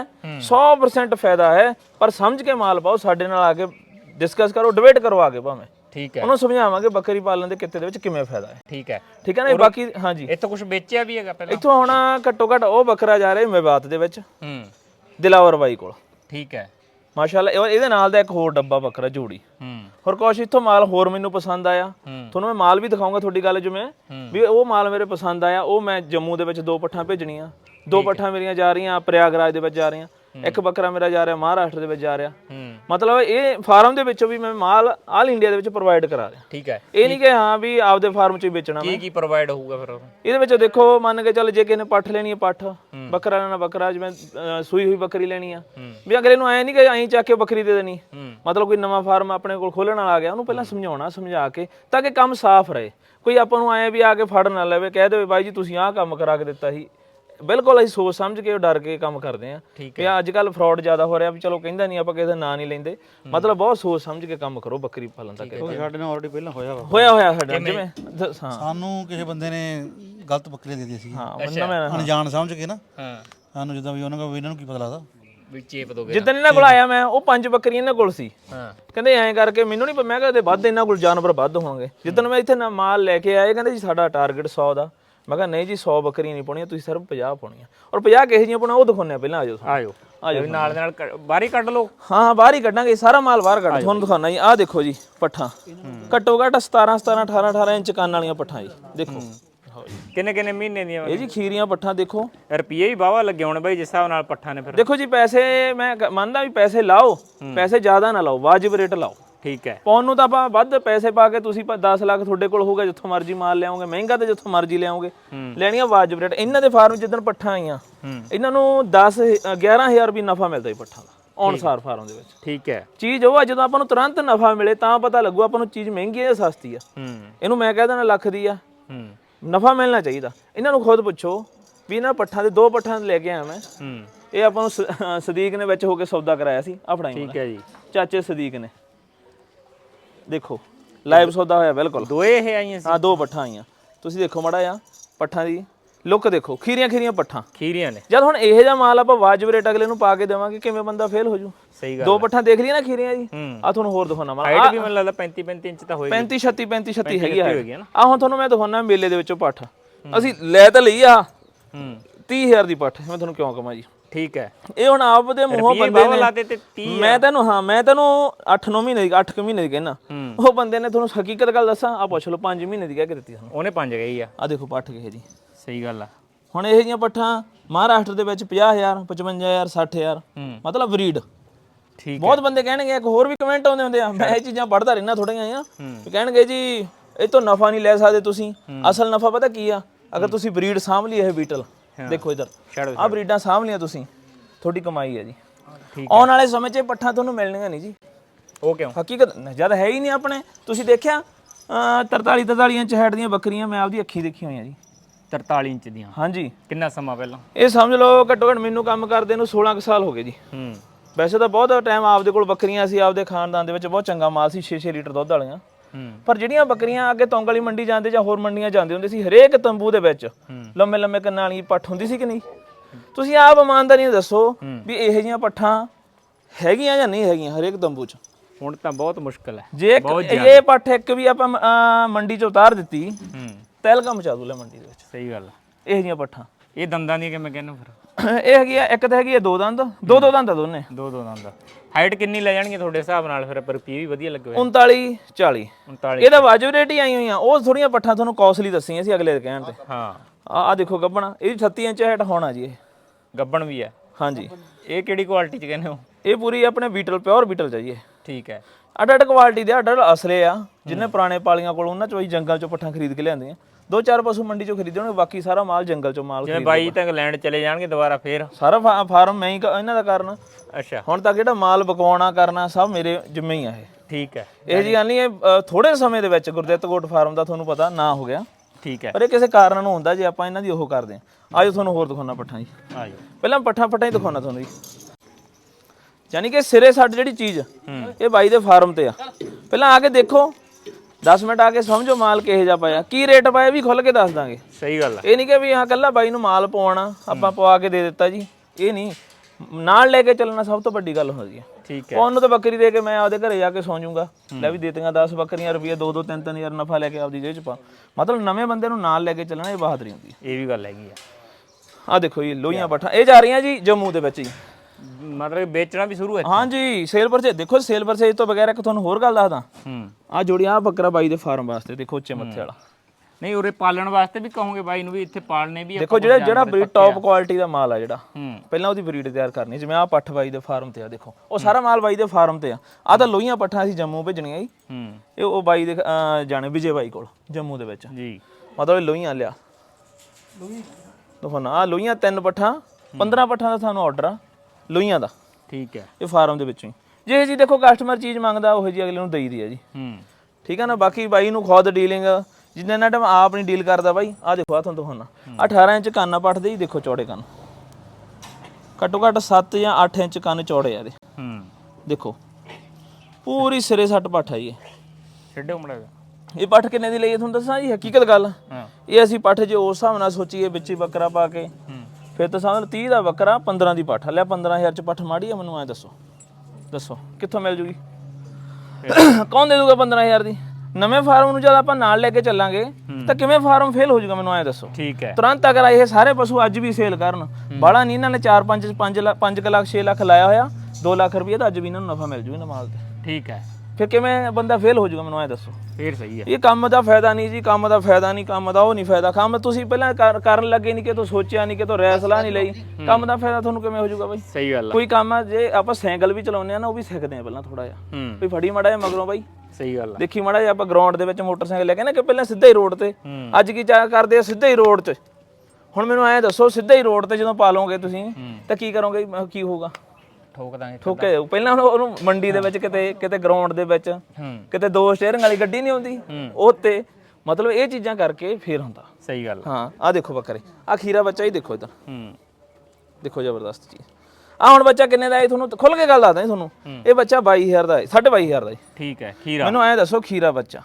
S1: 100% ਫਾਇਦਾ ਹੈ, ਪਰ ਸਮਝ ਕੇ ਮਾਲ ਪਾਓ। ਸਾਡੇ ਨਾਲ ਆ ਕੇ ਡਿਸਕਸ ਕਰੋ, ਡਿਬੇਟ ਕਰੋ ਆ ਕੇ ਭਾਵੇਂ।
S2: ਠੀਕ ਹੈ।
S1: ਉਹਨੂੰ ਸਮਝਾਵਾਂਗੇ ਬੱਕਰੀ ਪਾਲਣ ਦੇ ਕਿੱਤੇ ਦੇ ਵਿੱਚ ਕਿਵੇਂ ਫਾਇਦਾ ਹੈ।
S2: ਠੀਕ ਹੈ।
S1: ਠੀਕ ਹੈ ਨਾ। ਬਾਕੀ ਹਾਂਜੀ,
S2: ਇੱਥੋਂ ਕੁਝ ਵੇਚਿਆ ਵੀ ਹੈਗਾ ਪਹਿਲਾਂ?
S1: ਇੱਥੋਂ ਹੁਣ ਘੱਟੋ ਘੱਟ ਉਹ ਬੱਕਰਾ ਜਾ ਰਿਹਾ ਮੇਵਾਤ ਦੇ ਵਿੱਚ,
S2: ਹੂੰ,
S1: ਦਿਲਾਵਰ ਬਾਈ ਕੋਲ।
S2: ਠੀਕ ਹੈ।
S1: ਮਾਸ਼ਾਅੱਲਾ। ਇਹਦੇ ਨਾਲ ਦਾ ਇੱਕ ਹੋਰ ਡੱਬਾ ਬੱਕਰਾ ਜੋੜੀ। ਹੋਰ ਕੁਛ ਇੱਥੋਂ ਮਾਲ ਹੋਰ ਮੈਨੂੰ ਪਸੰਦ ਆਇਆ, ਤੁਹਾਨੂੰ ਮੈਂ ਮਾਲ ਵੀ ਦਿਖਾਉਂਗਾ। ਤੁਹਾਡੀ ਗੱਲ ਜਿਵੇਂ ਵੀ ਉਹ ਮਾਲ ਮੇਰੇ ਪਸੰਦ ਆਇਆ, ਉਹ ਮੈਂ ਜੰਮੂ ਦੇ ਵਿੱਚ 2 ਪੱਠਾਂ ਭੇਜਣੀਆਂ। 2 ਪੱਠਾਂ ਮੇਰੀਆਂ ਜਾ ਰਹੀਆਂ ਪ੍ਰਯਾਗਰਾਜ ਦੇ ਵਿੱਚ ਜਾ ਰਹੀਆਂ, ਇੱਕ ਬੱਕਰਾ ਮੇਰਾ ਜਾ ਰਿਹਾ ਮਹਾਰਾਸ਼ਟਰ ਦੇ ਵਿੱਚ ਜਾ ਰਿਹਾ। ਮਤਲਬ ਇਹ ਫਾਰਮ ਦੇ ਵਿੱਚੋਂ ਵੀ ਮੈਂ ਮਾਲ ਆਲ ਇੰਡੀਆ ਦੇ ਵਿੱਚ ਪ੍ਰੋਵਾਈਡ ਕਰਾ ਰਿਹਾ।
S2: ਠੀਕ ਹੈ,
S1: ਇਹ ਨਹੀਂ ਕਿ ਹਾਂ ਵੀ ਆਪਦੇ ਫਾਰਮ 'ਚ ਹੀ ਵੇਚਣਾ।
S2: ਕੀ ਪ੍ਰੋਵਾਈਡ ਹੋਊਗਾ ਫਿਰ?
S1: ਇਹਦੇ ਵਿੱਚ ਦੇਖੋ ਮੰਨ ਕੇ ਚੱਲ, ਜੇ ਕਿਸੇ ਨੇ ਪੱਠ ਲੈਣੀ ਹੈ ਪੱਠ, ਬੱਕਰਾ ਲੈਣਾ ਬੱਕਰਾ, ਜਿਵੇਂ ਸੂਈ ਹੋਈ ਬੱਕਰੀ ਲੈਣੀ ਆ, ਵੀ ਅਗਲੇ ਨੂੰ ਐ ਨਹੀਂ ਕਿ ਐਂ ਚੱਕ ਕੇ ਬੱਕਰੀ ਦੇ ਦੇਣੀ। ਮਤਲਬ ਕੋਈ ਨਵਾਂ ਫਾਰਮ ਆਪਣੇ ਕੋਲ ਖੋਲਣ ਵਾਲਾ ਆ ਗਿਆ, ਉਹਨੂੰ ਪਹਿਲਾਂ ਸਮਝਾਉਣਾ, ਸਮਝਾ ਕੇ, ਤਾਂ ਕਿ ਕੰਮ ਸਾਫ਼ ਰਹੇ। ਕੋਈ ਆਪਾਂ ਨੂੰ ਐ ਵੀ ਆ ਕੇ ਫੜ ਨਾ ਲਵੇ, ਕਹਿ ਦੇਵੇ ਬਾਈ ਜੀ ਤੁਸੀਂ ਆਹ ਕੰਮ ਕਰਾ ਕੇ ਦਿੱਤਾ ਸੀ। ਬਿਲਕੁਲ ਅਸੀਂ ਸੋਚ ਸਮਝ ਕੇ ਡਰ ਕੇ ਕੰਮ ਕਰਦੇ ਆ। ਕਿ ਅੱਜ ਕੱਲ ਫਰਾਡ ਜ਼ਿਆਦਾ ਹੋ ਰਿਹਾ, ਵੀ ਚਲੋ ਕਹਿੰਦਾ ਨਹੀਂ ਆਪਾਂ ਕਿਸੇ ਦਾ ਨਾਂ ਨਹੀਂ ਲੈਂਦੇ, ਮਤਲਬ ਬਹੁਤ ਸੋਚ ਸਮਝ ਕੇ ਕੰਮ ਕਰੋ ਬੱਕਰੀ ਪਾਲਣ ਦਾ।
S3: ਸਾਡੇ ਨਾਲ ਆਲਰੇਡੀ ਪਹਿਲਾਂ
S1: ਹੋਇਆ ਸਾਡੇ ਜਿਵੇਂ
S3: ਸਾਨੂੰ ਕਿਸੇ ਬੰਦੇ ਨੇ ਗਲਤ ਬੱਕਰੀ ਦੇ ਦਿੱਤੀ ਸੀ।
S1: ਹਾਂ ਮੈਂ
S3: ਅਣਜਾਣ ਸਮਝ ਕੇ ਨਾ, ਸਾਨੂੰ ਜਿੱਦਾਂ ਵੀ ਉਹਨਾਂ ਕੋਲ ਇਹਨਾਂ ਨੂੰ ਕੀ ਪਤਾ ਲੱਗਦਾ
S2: ਵੀ ਚੇਪ ਦੋਗੇ।
S1: ਜਿੱਦਣ ਇਹਨਾਂ ਕੋਲ ਆਇਆ ਮੈਂ, ਉਹ 5 ਬੱਕਰੀਆਂ ਇਹਨਾਂ ਕੋਲ ਸੀ। ਕਹਿੰਦੇ ਐਂ ਕਰਕੇ ਮੈਨੂੰ ਨਹੀਂ, ਮੈਂ ਕਹਿੰਦੇ ਵੱਧ ਇਹਨਾਂ ਕੋਲ ਜਾਨਵਰ ਵੱਧ ਹੋਣਗੇ। ਜਿੱਦਣ ਮੈਂ ਇੱਥੇ ਨਾ ਮਾਲ ਲੈ ਕੇ ਆਏ, ਕਹਿੰਦੇ ਜੀ ਸਾਡਾ ਟਾਰਗੇਟ 100 ਦਾ। ਮੈਂ ਕਿਹਾ ਨਹੀਂ ਜੀ 100 ਬੱਕਰੀਆਂ ਨਹੀਂ ਪਾਉਣੀਆਂ, ਤੁਸੀਂ ਸਿਰਫ 50 ਪਾਉਣੀਆਂ। ਔਰ 50 ਕਿਹੋ ਜਿਹੀਆਂ ਪਾਉਣਾ ਉਹ ਦਿਖਾਉਂਦੇ ਆ, ਪਹਿਲਾਂ ਆਜੋ
S2: ਆਜੋ ਨਾਲ ਨਾਲ ਬਾਹਰ ਹੀ ਕੱਢ ਲਓ।
S1: ਹਾਂ ਬਾਹਰ ਹੀ ਕੱਢਾਂਗੇ, ਸਾਰਾ ਮਾਲ ਬਾਹਰ ਕੱਢ ਤੁਹਾਨੂੰ ਦਿਖਾਉਣਾ ਜੀ। ਆਹ ਦੇਖੋ ਜੀ ਪੱਠਾਂ, ਘੱਟੋ ਘੱਟ 17 18 ਇੰਚ ਕੰਨ ਵਾਲੀਆਂ ਪੱਠਾਂ ਜੀ। ਦੇਖੋ
S2: ਕਿੰਨੇ ਮਹੀਨੇ ਦੀਆਂ
S1: ਇਹ ਜੀ ਖੀਰੀਆਂ ਪੱਠਾਂ। ਦੇਖੋ
S2: ਰੁਪਈਏ ਵੀ ਵਾਹਵਾ ਲੱਗੇ ਹੋਣੇ ਬਾਈ, ਜਿਸ ਹਿਸਾਬ ਨਾਲ ਪੱਠਾਂ ਨੇ। ਫਿਰ
S1: ਦੇਖੋ ਜੀ ਪੈਸੇ ਮੈਂ ਮੰਨਦਾ ਵੀ ਪੈਸੇ ਲਾਓ, ਪੈਸੇ ਜ਼ਿਆਦਾ ਨਾ ਲਾਓ, ਵਾਜਿਬ ਰੇਟ ਲਾਓ।
S2: ਠੀਕ ਹੈ,
S1: ਪਾਉਣ ਨੂੰ ਤਾਂ ਆਪਾਂ ਵੱਧ ਪੈਸੇ ਪਾ ਕੇ, ਤੁਸੀਂ 10 ਲੱਖ ਤੁਹਾਡੇ ਕੋਲ ਹੋਊਗਾ, ਜਿੱਥੋਂ ਮਰਜ਼ੀ ਮਾਲ ਲਿਆਓਗੇ, ਮਹਿੰਗਾ ਤੇ ਜਿੱਥੋਂ ਮਰਜ਼ੀ ਲਿਆਓਗੇ, ਲੈਣੀਆਂ ਵਾਜਿਬ ਰੇਟ। ਇਹਨਾਂ ਦੇ ਫਾਰਮ ਜਿੱਦਣ ਪੱਠਾਂ ਆਈਆਂ, ਇਹਨਾਂ ਨੂੰ 11,000 ਰੁਪਏ ਨਫਾ ਮਿਲਦਾ ਜੀ ਪੱਠਾਂ ਦਾ ਔਨਸਾਰ ਫਾਰਮ ਦੇ ਵਿੱਚ।
S2: ਠੀਕ ਹੈ,
S1: ਚੀਜ਼ ਉਹ ਆ ਜਦੋਂ ਆਪਾਂ ਨੂੰ ਤੁਰੰਤ ਨਫਾ ਮਿਲੇ ਤਾਂ ਪਤਾ ਲੱਗੂ ਆਪਾਂ ਨੂੰ ਚੀਜ਼ ਮਹਿੰਗੀ ਹੈ ਜਾਂ ਸਸਤੀ ਆ। ਇਹਨੂੰ ਮੈਂ ਕਹਿ ਦੇਣਾ ਲੱਖ ਦੀ ਆ, ਨਫਾ ਮਿਲਣਾ ਚਾਹੀਦਾ। ਇਹਨਾਂ ਨੂੰ ਖੁਦ ਪੁੱਛੋ ਵੀ ਇਹਨਾਂ ਪੱਠਾਂ ਦੇ 2 ਪੱਠਾਂ ਲੈ ਕੇ ਆਇਆ ਮੈਂ। ਇਹ ਆਪਾਂ ਨੂੰ ਸਦੀਕ ਨੇ ਵਿੱਚ ਹੋ ਕੇ ਸੌਦਾ ਕਰਾਇਆ ਸੀ ਆਪਣਾ।
S2: ਠੀਕ ਹੈ ਜੀ,
S1: ਚਾਚੇ ਸਦੀਕ ਨੇ। ਦੇਖੋ ਲਾਈਵ ਸੌਦਾ ਹੋਇਆ ਬਿਲਕੁਲ।
S2: ਦੋਏ ਇਹ ਆਈਆਂ ਸੀ?
S1: ਹਾਂ 2 ਪੱਠਾਂ ਆਈਆਂ। ਤੁਸੀਂ ਦੇਖੋ ਮਾੜਾ ਆ ਪੱਠਾਂ ਦੀ ਲੁੱਕ ਦੇਖੋ, ਖੀਰੀਆਂ ਪੱਠਾਂ
S2: ਖੀਰੀਆਂ ਨੇ।
S1: ਜਦ ਹੁਣ ਇਹੋ ਜਿਹਾ ਮਾਲ ਆਪਾਂ ਵਾਜਬ ਰੇਟ ਅਗਲੇ ਨੂੰ ਪਾ ਕੇ ਦੇਵਾਂਗੇ, ਕਿਵੇਂ ਬੰਦਾ ਫੇਲ ਹੋ ਜੂ।
S2: ਸਹੀ ਗੱਲ।
S1: 2 ਪੱਠਾਂ ਦੇਖ ਲਈਆਂ ਨਾ ਖੀਰੀਆਂ ਜੀ। ਆ ਤੁਹਾਨੂੰ ਹੋਰ ਦਿਖਾਉਣਾ ਮਾਲ,
S2: ਹਾਈਟ ਵੀ ਮੈਨੂੰ ਲੱਗਦਾ 35 ਇੰਚ ਤਾਂ ਹੋਏਗੀ।
S1: 35 ਹੈਗੀ ਆ। ਹੁਣ ਤੁਹਾਨੂੰ ਮੈਂ ਦਿਖਾਉਣਾ ਮੇਲੇ ਦੇ ਵਿੱਚੋਂ ਪੱਠ। ਅਸੀਂ ਲੈ ਤਾਂ ਲਈ ਆ 30,000 ਦੀ ਪੱਠ, ਮੈਂ ਤੁਹਾਨੂੰ ਕਿਉਂ ਕਹਾਂ ਜੀ।
S2: ਠੀਕ ਹੈ,
S1: ਇਹ ਹੁਣ ਆਪਦੇ ਮੂੰਹੋਂ ਬੰਦੇ ਨੇ
S2: ਲਾਤੇ ਤੇ 30।
S1: ਮੈਂ ਤੈਨੂੰ 8-9 ਮਹੀਨੇ ਦੀ 8 ਮਹੀਨੇ ਦੀ ਕਹਿਣਾ, ਉਹ ਬੰਦੇ ਨੇ ਤੁਹਾਨੂੰ ਹਕੀਕਤ ਗੱਲ ਦੱਸਾਂ, ਆ ਪੁੱਛ ਲਓ 5 ਮਹੀਨੇ ਦੀ ਕਹਿ ਕੇ ਦਿੱਤੀ ਸਾਨੂੰ।
S2: ਉਹਨੇ 5 ਗਈ ਆ।
S1: ਆ ਦੇਖੋ ਪੱਠ ਕਿਹੇ ਜੀ।
S2: ਸਹੀ ਗੱਲ ਆ।
S1: ਹੁਣ ਇਹ ਜਿਹੀਆਂ ਪੱਠਾਂ ਮਹਾਰਾਸ਼ਟਰ ਦੇ ਵਿੱਚ 50,000 55,000 60,000 ਮਤਲਬ ਬਰੀਡ।
S2: ਠੀਕ।
S1: ਬਹੁਤ ਬੰਦੇ ਕਹਿਣਗੇ, ਇੱਕ ਹੋਰ ਵੀ ਕਮੈਂਟ ਆਉਂਦੇ ਹੁੰਦੇ ਆ, ਮੈਂ ਇਹ ਚੀਜ਼ਾਂ ਪੜ੍ਹਦਾ ਰਹਿਣਾ ਥੋੜੀਆਂ ਆ, ਕਹਿਣਗੇ ਜੀ ਇਹ ਤੋਂ ਨਫਾ ਨਹੀਂ ਲੈ ਸਕਦੇ ਤੁਸੀਂ। ਅਸਲ ਨਫਾ ਪਤਾ ਕੀ ਆ, ਅਗਰ ਤੁਸੀਂ ਬਰੀਡ ਸਾਂਭ ਲਈ, ਇਹ ਬੀਟਲ ਦੇਖੋ ਇਧਰ, ਆ ਬਰੀਡਾਂ ਸਾਂਭ ਲੀਆਂ ਤੁਸੀਂ, ਤੁਹਾਡੀ ਕਮਾਈ ਹੈ ਜੀ। ਆਉਣ ਵਾਲੇ ਸਮੇਂ 'ਚ ਪੱਠਾਂ ਤੁਹਾਨੂੰ ਮਿਲਣੀਆਂ ਨਹੀਂ ਜੀ।
S2: ਉਹ ਕਿਉਂ?
S1: ਹਕੀਕਤ ਜਦ ਹੈ ਹੀ ਨਹੀਂ ਆਪਣੇ। ਤੁਸੀਂ ਦੇਖਿਆ 43 ਇੰਚ ਹੈਡ ਦੀਆਂ ਬੱਕਰੀਆਂ ਮੈਂ ਆਪਦੀ ਅੱਖੀ ਦੇਖੀ ਹੋਈਆਂ ਜੀ।
S2: 43 ਇੰਚ ਦੀਆਂ?
S1: ਹਾਂਜੀ।
S2: ਕਿੰਨਾ ਸਮਾਂ ਪਹਿਲਾਂ?
S1: ਇਹ ਸਮਝ ਲਓ ਘੱਟੋ ਘੱਟ ਮੈਨੂੰ ਕੰਮ ਕਰਦੇ ਨੂੰ 16 ਸਾਲ ਹੋ ਗਏ ਜੀ। ਵੈਸੇ ਤਾਂ ਬਹੁਤ ਟਾਈਮ ਆਪਦੇ ਕੋਲ ਬੱਕਰੀਆਂ ਸੀ, ਆਪਦੇ ਖਾਨਦਾਨ ਦੇ ਵਿੱਚ ਬਹੁਤ ਚੰਗਾ ਮਾਲ ਸੀ, 6-6 ਲੀਟਰ ਦੁੱਧ ਵਾਲੀਆਂ। ਪਰ ਜਿਹੜੀਆਂ ਬੱਕਰੀਆਂ ਅੱਗੇ ਤੌਂਗ ਵਾਲੀ ਮੰਡੀ ਜਾਂਦੇ ਜਾਂ ਹੋਰ ਮੰਡੀਆਂ ਜਾਂਦੇ ਹੁੰਦੇ ਸੀ, ਹਰੇਕ ਤੰਬੂ ਦੇ ਵਿੱਚ ਲੰਮੇ ਕੰਨਾਂ ਵਾਲੀ ਪੱਠ ਹੁੰਦੀ ਸੀ ਕਿ ਨਹੀਂ? ਤੁਸੀਂ ਆਪ ਇਮਾਨਦਾਰੀ ਨਾਲ ਦੱਸੋ ਵੀ ਇਹੋ ਜਿਹੀਆਂ ਪੱਠਾਂ ਹੈਗੀਆਂ ਜਾਂ ਨਹੀਂ ਹੈਗੀਆਂ ਹਰੇਕ ਤੰਬੂ 'ਚ?
S2: ਹੁਣ ਤਾਂ ਬਹੁਤ ਮੁਸ਼ਕਲ ਹੈ।
S1: ਜੇ ਇਹ ਪੱਠ ਇੱਕ ਵੀ ਆਪਾਂ ਮੰਡੀ 'ਚ ਉਤਾਰ ਦਿੱਤੀ, ਤਹਿਲਕਾ ਮਚਾ ਦੂ ਲੈ ਮੰਡੀ ਦੇ ਵਿੱਚ।
S2: ਸਹੀ ਗੱਲ।
S1: ਇਹੋ ਜਿਹੀਆਂ ਪੱਠਾਂ ਇਹ
S2: ਦੰਦਾਂ ਦੀਆਂ ਕਿਵੇਂ ਕਹਿੰਦੇ ਫਿਰ?
S1: ਇਹ ਹੈਗੀ ਆ, ਇੱਕ ਤਾਂ ਹੈਗੀ ਆ 2 ਦੰਦ, 2 ਦੰਦ ਆ ਦੋਨੇ।
S2: 2 ਦੰਦ। ਹਾਈਟ ਕਿੰਨੀ ਲੈ ਜਾਣਗੇ ਤੁਹਾਡੇ ਹਿਸਾਬ ਨਾਲ ਫਿਰ? ਪਰ ਪੀ ਵੀ ਵਧੀਆ ਲੱਗੇ
S1: 39-40। ਇਹਦਾ ਵਾਜਬ ਰੇਟ ਹੀ ਆਈ ਹੋਈਆਂ। ਉਹ ਥੋੜੀਆਂ ਪੱਠਾਂ ਤੁਹਾਨੂੰ ਕਾਸਟਲੀ ਦੱਸੀਆਂ ਸੀ ਅਗਲੇ ਦੇ ਕਹਿਣ ਤੇ।
S2: ਹਾਂ
S1: ਆ ਦੇਖੋ ਗੱਬਣਾ, ਇਹ 36 ਇੰਚ ਹਾਈਟ ਹੋਣਾ ਜੀ। ਇਹ
S2: ਗੱਬਣ ਵੀ ਹੈ?
S1: ਹਾਂਜੀ।
S2: ਇਹ ਕਿਹੜੀ ਕੁਆਲਿਟੀ 'ਚ ਕਹਿੰਦੇ ਹੋ?
S1: ਇਹ ਪੂਰੀ ਆਪਣੇ ਬੀਟਲ, ਪਿਓਰ ਬੀਟਲ ਚਾਹੀਏ।
S2: ਠੀਕ ਹੈ।
S1: ਅੱਡ ਕੁਆਲਿਟੀ ਦੇ ਅੱਡ ਅਸਲੇ ਆ, ਜਿਹਨੇ ਪੁਰਾਣੇ ਪਾਲੀਆਂ ਕੋਲ ਉਹਨਾਂ ਚੋਂ ਹੀ ਜੰਗਲ ਚੋਂ ਪੱਠਾਂ ਖਰੀਦ ਕੇ ਲਿਆਂਦੀਆਂ। 2-4 ਪਸ਼ੂ ਮੰਡੀ ਚੋਂ ਖਰੀਦੇ ਹੋਣਗੇ, ਬਾਕੀ ਸਾਰਾ ਮਾਲ ਜੰਗਲ ਚੋਂ ਮਾਲ।
S2: ਜਿਵੇਂ ਬਾਈ ਤਾਂ ਇੰਗਲੈਂਡ ਚਲੇ ਜਾਣਗੇ ਦੁਬਾਰਾ ਫੇਰ?
S1: ਸਾਰਾ ਫਾਰਮ ਮੈਂ ਹੀ ਇਹਨਾਂ ਦਾ ਕਰਨਾ।
S2: ਅੱਛਾ।
S1: ਹੁਣ ਤੱਕ ਜਿਹੜਾ ਮਾਲ ਬਕਵਾਉਣਾ ਕਰਨਾ ਸਭ ਮੇਰੇ ਜਿੰਮੇ ਹੀ ਆ ਇਹ।
S2: ਠੀਕ ਹੈ।
S1: ਇਹ ਜੀ ਗੱਲ ਨਹੀਂ, ਇਹ ਥੋੜੇ ਸਮੇਂ ਦੇ ਵਿੱਚ ਗੁਰਦਿੱਤ ਗੋਟ ਫਾਰਮ ਦਾ ਤੁਹਾਨੂੰ ਪਤਾ ਨਾ ਹੋ ਗਿਆ।
S2: ਠੀਕ ਹੈ।
S1: ਪਰ ਇਹ ਕਿਸੇ ਕਾਰਨ ਨੂੰ ਹੁੰਦਾ ਜੇ ਆਪਾਂ ਇਹਨਾਂ ਦੀ ਉਹ ਕਰਦੇ ਆ। ਆਜੋ ਤੁਹਾਨੂੰ ਹੋਰ ਦਿਖਾਉਣਾ ਪੱਠਾਂ ਜੀ।
S2: ਆਜੋ
S1: ਪਹਿਲਾਂ ਪੱਠਾਂ ਹੀ ਦਿਖਾਉਣਾ ਤੁਹਾਨੂੰ ਜੀ। ਯਾਨੀ ਕਿ ਸਿਰੇ ਸਾਡੀ ਜਿਹੜੀ ਚੀਜ਼ ਇਹ ਬਾਈ ਦੇ ਫਾਰਮ ਤੇ ਆ। ਪਹਿਲਾਂ ਆ ਕੇ ਦੇਖੋ, 10 ਮਿੰਟ ਆ ਕੇ ਸਮਝੋ ਮਾਲ ਕਿਹੋ ਜਿਹਾ ਪਾਇਆ, ਕੀ ਰੇਟ ਪਾਇਆ ਵੀ ਖੁੱਲ ਕੇ ਦੱਸ ਦਾਂਗੇ।
S2: ਸਹੀ ਗੱਲ ਹੈ।
S1: ਇਹ ਨਹੀਂ ਕਿ ਵੀ ਹਾਂ ਕੱਲਾ ਬਾਈ ਨੂੰ ਮਾਲ ਪਵਾਉਣਾ ਆਪਾਂ ਪਵਾ ਕੇ ਦੇ ਦਿੱਤਾ ਜੀ, ਇਹ ਨਹੀਂ। ਨਾਲ ਲੈ ਕੇ ਚੱਲਣਾ ਸਭ ਤੋਂ ਵੱਡੀ ਗੱਲ ਹੁੰਦੀ ਹੈ।
S2: ਠੀਕ ਹੈ।
S1: ਉਹਨੂੰ ਤਾਂ ਬੱਕਰੀ ਦੇ ਕੇ ਮੈਂ ਆਪਦੇ ਘਰੇ ਜਾ ਕੇ ਸੌਂ ਜਾਊਂਗਾ, ਲੈ ਵੀ ਦੇਤੀਆਂ 10 ਬੱਕਰੀਆਂ, ਰੁਪਈਆ 2-2 3-3 ਹਜ਼ਾਰ ਨਫਾ ਲੈ ਕੇ ਆਪਦੀ ਜੇਬ 'ਚ ਪਾ। ਮਤਲਬ ਨਵੇਂ ਬੰਦੇ ਨੂੰ ਨਾਲ ਲੈ ਕੇ ਚੱਲਣਾ ਇਹ ਬਹਾਦਰੀ ਹੁੰਦੀ ਹੈ।
S2: ਇਹ ਵੀ ਗੱਲ ਹੈਗੀ ਆ।
S1: ਆ ਦੇਖੋ ਜੀ ਲੋਹੀਆਂ ਪੱਠਾਂ ਇਹ ਜਾ ਰਹੀਆਂ ਜੀ ਜੰਮੂ ਦੇ ਵਿੱਚ ਜੀ।
S2: ਮਤਲਬ ਵੇਚਣਾ ਵੀ ਸ਼ੁਰੂ ਹੈ।
S1: ਹਾਂਜੀ ਸੇਲ ਪਰਚੇਜ ਦੇਖੋ, ਸੇਲ ਪਰਚੇਜ ਤੋਂ ਬਗੈਰ ਇੱਕ ਤੁਹਾਨੂੰ ਹੋਰ ਗੱਲ ਦੱਸਦਾ।
S2: ਹੂੰ
S1: ਆ ਜੋੜੀ ਆ ਬੱਕਰਾ ਬਾਈ ਦੇ ਫਾਰਮ ਵਾਸਤੇ ਦੇਖੋ, ਉੱਚੇ ਮੱਥੇ ਵਾਲਾ।
S2: ਨਹੀਂ ਉਰੇ ਪਾਲਣ ਵਾਸਤੇ ਵੀ ਕਹੋਗੇ ਬਾਈ ਨੂੰ ਵੀ ਇੱਥੇ ਪਾਲਣੇ ਵੀ
S1: ਦੇਖੋ ਜਿਹੜਾ ਬਰੀਡ ਟੌਪ ਕੁਆਲਿਟੀ ਦਾ ਮਾਲ ਆ ਜਿਹੜਾ,
S2: ਹੂੰ
S1: ਪਹਿਲਾਂ ਉਹਦੀ ਬਰੀਡ ਤਿਆਰ ਕਰਨੀ। ਜਿਵੇਂ ਆ ਪੱਠ ਬਾਈ ਦੇ ਫਾਰਮ ਤੇ ਆ, ਦੇਖੋ ਉਹ ਸਾਰਾ ਮਾਲ ਬਾਈ ਦੇ ਫਾਰਮ ਤੇ ਆ। ਆ ਤਾਂ ਲੋਹੀਆਂ ਪੱਠਾਂ ਅਸੀਂ ਜੰਮੂ ਭੇਜਣੀਆਂ ਜੀ।
S2: ਹੂੰ
S1: ਇਹ ਉਹ ਬਾਈ ਦੇ ਜਾਣੇ ਵਿਜੇ ਬਾਈ ਕੋਲ ਜੰਮੂ ਦੇ ਵਿੱਚ,
S2: ਜੀ
S1: ਮਤਲਬ ਇਹ ਲੋਹੀਆਂ ਲਿਆ ਦੇਖੋ ਨਾ। ਆ ਲੋਹੀਆਂ 3 ਪੱਠਾਂ 15 ਪੱਠਾਂ ਦਾ ਸਾਨੂੰ ਆਰਡਰ ਆ ਲੋਹੀਆਂ ਦਾ,
S2: ਠੀਕ ਹੈ।
S1: ਇਹ ਫਾਰਮ ਦੇ ਵਿੱਚੋਂ ਹੀ। ਜੇ ਜੀ ਦੇਖੋ ਕਸਟਮਰ ਚੀਜ਼ ਮੰਗਦਾ ਉਹ ਜੀ ਅਗਲੇ ਨੂੰ ਦੇਈ ਦੀ ਆ ਜੀ,
S2: ਹੂੰ
S1: ਠੀਕ ਆ ਨਾ। ਬਾਕੀ ਬਾਈ ਨੂੰ ਖੁਦ ਡੀਲਿੰਗ ਜਿੰਨਾ ਨਾ ਟਾਈਮ ਆਪ ਨਹੀਂ ਡੀਲ ਕਰਦਾ ਬਾਈ। ਆ ਦੇਖੋ ਆ ਤੁਹਾਨੂੰ ਦਿਖਾਉਣਾ, 18 ਇੰਚ ਕੰਨ ਪੱਠਦੇ ਜੀ, ਦੇਖੋ ਚੌੜੇ ਕੰਨ, ਘੱਟੋ ਘੱਟ 7 ਜਾਂ 8 ਇੰਚ ਕੰਨ ਚੌੜੇ ਆ ਇਹਦੇ।
S2: ਹੂੰ
S1: ਦੇਖੋ ਪੂਰੀ ਸਿਰੇ ਸੱਟ ਪੱਠ ਆ ਜੀ ਇਹ।
S2: ਛੱਡੋ ਮੜਾ।
S1: ਇਹ ਪੱਠ ਕਿੰਨੇ ਦੀ ਲਈ ਹੈ ਤੁਹਾਨੂੰ ਦੱਸਾਂ ਜੀ, ਹਕੀਕਤ ਗੱਲ।
S2: ਹਾਂ
S1: ਇਹ ਅਸੀਂ ਪੱਠ ਜੇ ਉਸ ਹਿਸਾਬ ਨਾਲ ਸੋਚੀਏ ਵਿੱਚ ਹੀ ਬੱਕਰਾ ਪਾ ਕੇ, ਫਿਰ ਤਾਂ ਸਮਝ ਲਓ 30 ਦਾ ਬੱਕਰਾ 15 ਦੀ ਪੱਠ ਲਿਆ। 15000 ਚ ਪੱਠ ਮਾੜੀ ਆ? ਮੈਨੂੰ ਐ ਦੱਸੋ ਕਿੱਥੋਂ ਮਿਲ ਜੂਗੀ? ਕੌਣ ਦੇ ਦੂਗਾ 15000 ਦੀ? ਨਵੇਂ ਫਾਰਮ ਨੂੰ ਜਦ ਆਪਾਂ ਨਾਲ ਲੈ ਕੇ ਚੱਲਾਂਗੇ ਤਾਂ ਕਿਵੇਂ ਫਾਰਮ ਫੇਲ ਹੋ ਜਾਊਗਾ? ਮੈਨੂੰ ਐ ਦੱਸੋ।
S2: ਠੀਕ ਹੈ।
S1: ਤੁਰੰਤ ਅਗਰ ਇਹ ਸਾਰੇ ਪਸ਼ੂ ਅੱਜ ਵੀ ਸੇਲ ਕਰਨ, ਬਾਲਾ ਨਹੀਂ ਇਹਨਾਂ ਨੇ 4-5 5 ਲੱਖ 6 ਲੱਖ ਲਾਇਆ ਹੋਇਆ, 2 ਲੱਖ ਰੁਪਏ ਤਾਂ ਅੱਜ ਵੀ ਇਹਨਾਂ ਨੂੰ ਨਫਾ ਮਿਲ ਜੂ ਇਹਨਾਂ ਮਾਲ ਤੇ।
S2: ਠੀਕ ਹੈ।
S1: ਫਿਰ ਕਿਵੇਂ ਬੰਦਾ ਫੇਲ ਹੋ ਜਾਊਗਾ? ਮੈਨੂੰ ਐ ਦੱਸੋ।
S2: ਫੇਰ ਸਹੀ ਹੈ।
S1: ਇਹ ਕੰਮ ਦਾ ਫਾਇਦਾ ਨਹੀਂ ਜੀ, ਕੰਮ ਦਾ ਫਾਇਦਾ ਨਹੀਂ, ਕੰਮ ਦਾ ਉਹ ਨਹੀਂ ਫਾਇਦਾ। ਕੰਮ ਤੁਸੀਂ ਪਹਿਲਾਂ ਕਰਨ ਲੱਗੇ ਨਹੀਂ, ਕਿਤੋਂ ਸੋਚਿਆ ਨਹੀਂ, ਕਿਤੋਂ ਰਾਏ ਸਲਾਹ ਨਹੀਂ ਲਈ, ਕੰਮ ਦਾ ਫਾਇਦਾ ਤੁਹਾਨੂੰ ਕਿਵੇਂ ਹੋ ਜਾਊਗਾ ਬਾਈ?
S2: ਸਹੀ ਗੱਲ ਹੈ।
S1: ਕੋਈ ਕੰਮ ਆ ਜੇ ਆਪਾਂ ਸਾਈਕਲ ਵੀ ਚਲਾਉਂਦੇ ਆ ਨਾ, ਉਹ ਵੀ ਸਿੱਖਦੇ ਆ ਪਹਿਲਾਂ ਥੋੜਾ ਜਿਹਾ,
S2: ਹੂੰ
S1: ਵੀ ਫੜੀ ਮਾੜਾ ਜਿਹਾ ਮਗਰੋਂ ਬਾਈ,
S2: ਸਹੀ ਗੱਲ ਹੈ।
S1: ਦੇਖੀ ਮਾੜਾ ਜਿਹਾ ਆਪਾਂ ਗਰਾਊਂਡ ਦੇ ਵਿੱਚ ਮੋਟਰਸਾਈਕਲ ਲੈ ਕੇ ਨਾ, ਕਿ ਪਹਿਲਾਂ ਸਿੱਧਾ ਹੀ ਰੋਡ ਤੇ, ਅੱਜ ਕੀ ਚਾਹ ਕਰਦੇ ਆ ਸਿੱਧਾ ਹੀ ਰੋਡ 'ਚ। ਹੁਣ ਮੈਨੂੰ ਐਂ ਦੱਸੋ, ਸਿੱਧਾ ਹੀ ਰੋਡ ਤੇ ਜਦੋਂ ਪਾ ਲਓਗੇ ਤੁਸੀਂ ਤਾਂ ਕੀ ਕਰੋਗੇ? ਕੀ ਹੋਊਗਾ?
S2: ਠੋਕ ਦਾਂਗੇ।
S1: ਠੋਕੇ ਜਾਊ। ਪਹਿਲਾਂ ਉਹਨੂੰ ਮੰਡੀ ਦੇ ਵਿੱਚ ਕਿਤੇ ਗਰਾਊਂਡ ਦੇ ਵਿੱਚ ਕਿਤੇ 2 ਸਟੀਅਰਿੰਗ ਵਾਲੀ ਗੱਡੀ ਨਹੀਂ ਆਉਂਦੀ ਉਹ ਤੇ, ਮਤਲਬ ਇਹ ਚੀਜ਼ਾਂ ਕਰਕੇ ਫੇਰ ਹੁੰਦਾ।
S2: ਸਹੀ ਗੱਲ।
S1: ਹਾਂ ਆ ਦੇਖੋ ਬੱਕਰੇ, ਆ ਖੀਰਾ ਬੱਚਾ ਹੀ ਦੇਖੋ ਇੱਧਰ,
S2: ਹੂੰ
S1: ਦੇਖੋ ਜ਼ਬਰਦਸਤ ਚੀਜ਼। ਆ ਹੁਣ ਬੱਚਾ ਕਿੰਨੇ ਦਾ ਹੈ ਤੁਹਾਨੂੰ ਖੁੱਲ ਕੇ ਗੱਲ ਦੱਸਦਾ ਜੀ ਤੁਹਾਨੂੰ। ਇਹ ਬੱਚਾ 22000 ਦਾ ਹੈ, 22500 ਦਾ ਜੀ।
S2: ਠੀਕ ਹੈ। ਖੀਰਾ
S1: ਮੈਨੂੰ ਐਂ ਦੱਸੋ, ਖੀਰਾ ਬੱਚਾ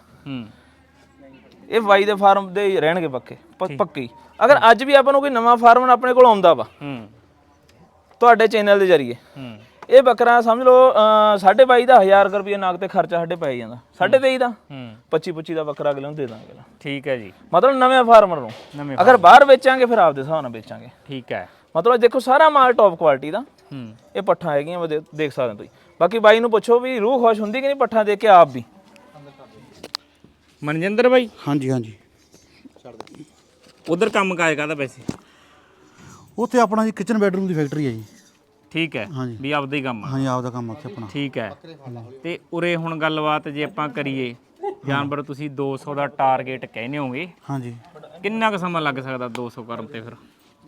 S1: ਇਹ ਬਾਈ ਦੇ ਫਾਰਮ ਦੇ ਹੀ ਰਹਿਣਗੇ ਪੱਕੀ। ਅਗਰ ਅੱਜ ਵੀ ਆਪਾਂ ਨੂੰ ਕੋਈ ਨਵਾਂ ਫਾਰਮ ਆਪਣੇ ਕੋਲ ਆਉਂਦਾ ਵਾ ਤੁਹਾਡੇ ਚੈਨਲ ਦੇ ਜ਼ਰੀਏ, ਇਹ ਬੱਕਰਾ ਸਮਝ ਲਓ 22,500 ਦਾ 1000 ਰੁਪਏ ਨਾਗ ਤੇ ਖਰਚਾ ਸਾਡੇ ਪੈ ਜਾਂਦਾ, 23,500 ਦਾ 25-25 ਦਾ ਬੱਕਰਾ ਅਗਲੇ ਨੂੰ ਦੇ ਦਾਂਗੇ।
S2: ਠੀਕ ਹੈ ਜੀ।
S1: ਮਤਲਬ ਨਵੇਂ ਫਾਰਮਰ ਨੂੰ ਅਗਰ ਬਾਹਰ ਵੇਚਾਂਗੇ ਫਿਰ ਆਪਦੇ ਹਿਸਾਬ ਨਾਲ ਵੇਚਾਂਗੇ।
S2: ਠੀਕ ਹੈ।
S1: ਮਤਲਬ ਦੇਖੋ ਸਾਰਾ ਮਾਲ ਟੌਪ ਕੁਆਲਿਟੀ ਦਾ। ਇਹ ਪੱਠਾਂ ਹੈਗੀਆਂ ਦੇਖ ਸਕਦੇ ਹੋ ਤੁਸੀਂ। ਬਾਕੀ ਬਾਈ ਨੂੰ ਪੁੱਛੋ ਵੀ ਰੂਹ ਖੁਸ਼ ਹੁੰਦੀ ਕਿ ਨਹੀਂ ਪੱਠਾਂ ਦੇਖ ਕੇ ਆਪ ਵੀ।
S2: ਮਨਜਿੰਦਰ ਬਾਈ।
S3: ਹਾਂਜੀ ਹਾਂਜੀ।
S2: ਉਧਰ ਕੰਮ ਕਾਜ ਕਰਦਾ ਵੈਸੇ?
S3: ਉੱਥੇ ਆਪਣਾ ਜੀ ਕਿਚਨ ਬੈਡਰੂਮ ਦੀ ਫੈਕਟਰੀ ਹੈ ਜੀ।
S2: ਠੀਕ ਹੈ। ਵੀ ਆਪਦਾ ਹੀ ਕੰਮ ਆ?
S3: ਹਾਂਜੀ ਆਪਦਾ ਕੰਮ ਉੱਥੇ ਆਪਣਾ।
S2: ਠੀਕ ਹੈ। ਤੇ ਉਰੇ ਹੁਣ ਗੱਲਬਾਤ ਜੇ ਆਪਾਂ ਕਰੀਏ, ਜਾਨਵਰ ਤੁਸੀਂ 200 ਦਾ ਟਾਰਗੇਟ ਕਹਿੰਦੇ ਹੋਗੇ,
S3: ਹਾਂਜੀ
S2: ਕਿੰਨਾ ਕੁ ਸਮਾਂ ਲੱਗ ਸਕਦਾ 200 ਕਰਨ ਤੇ? ਫਿਰ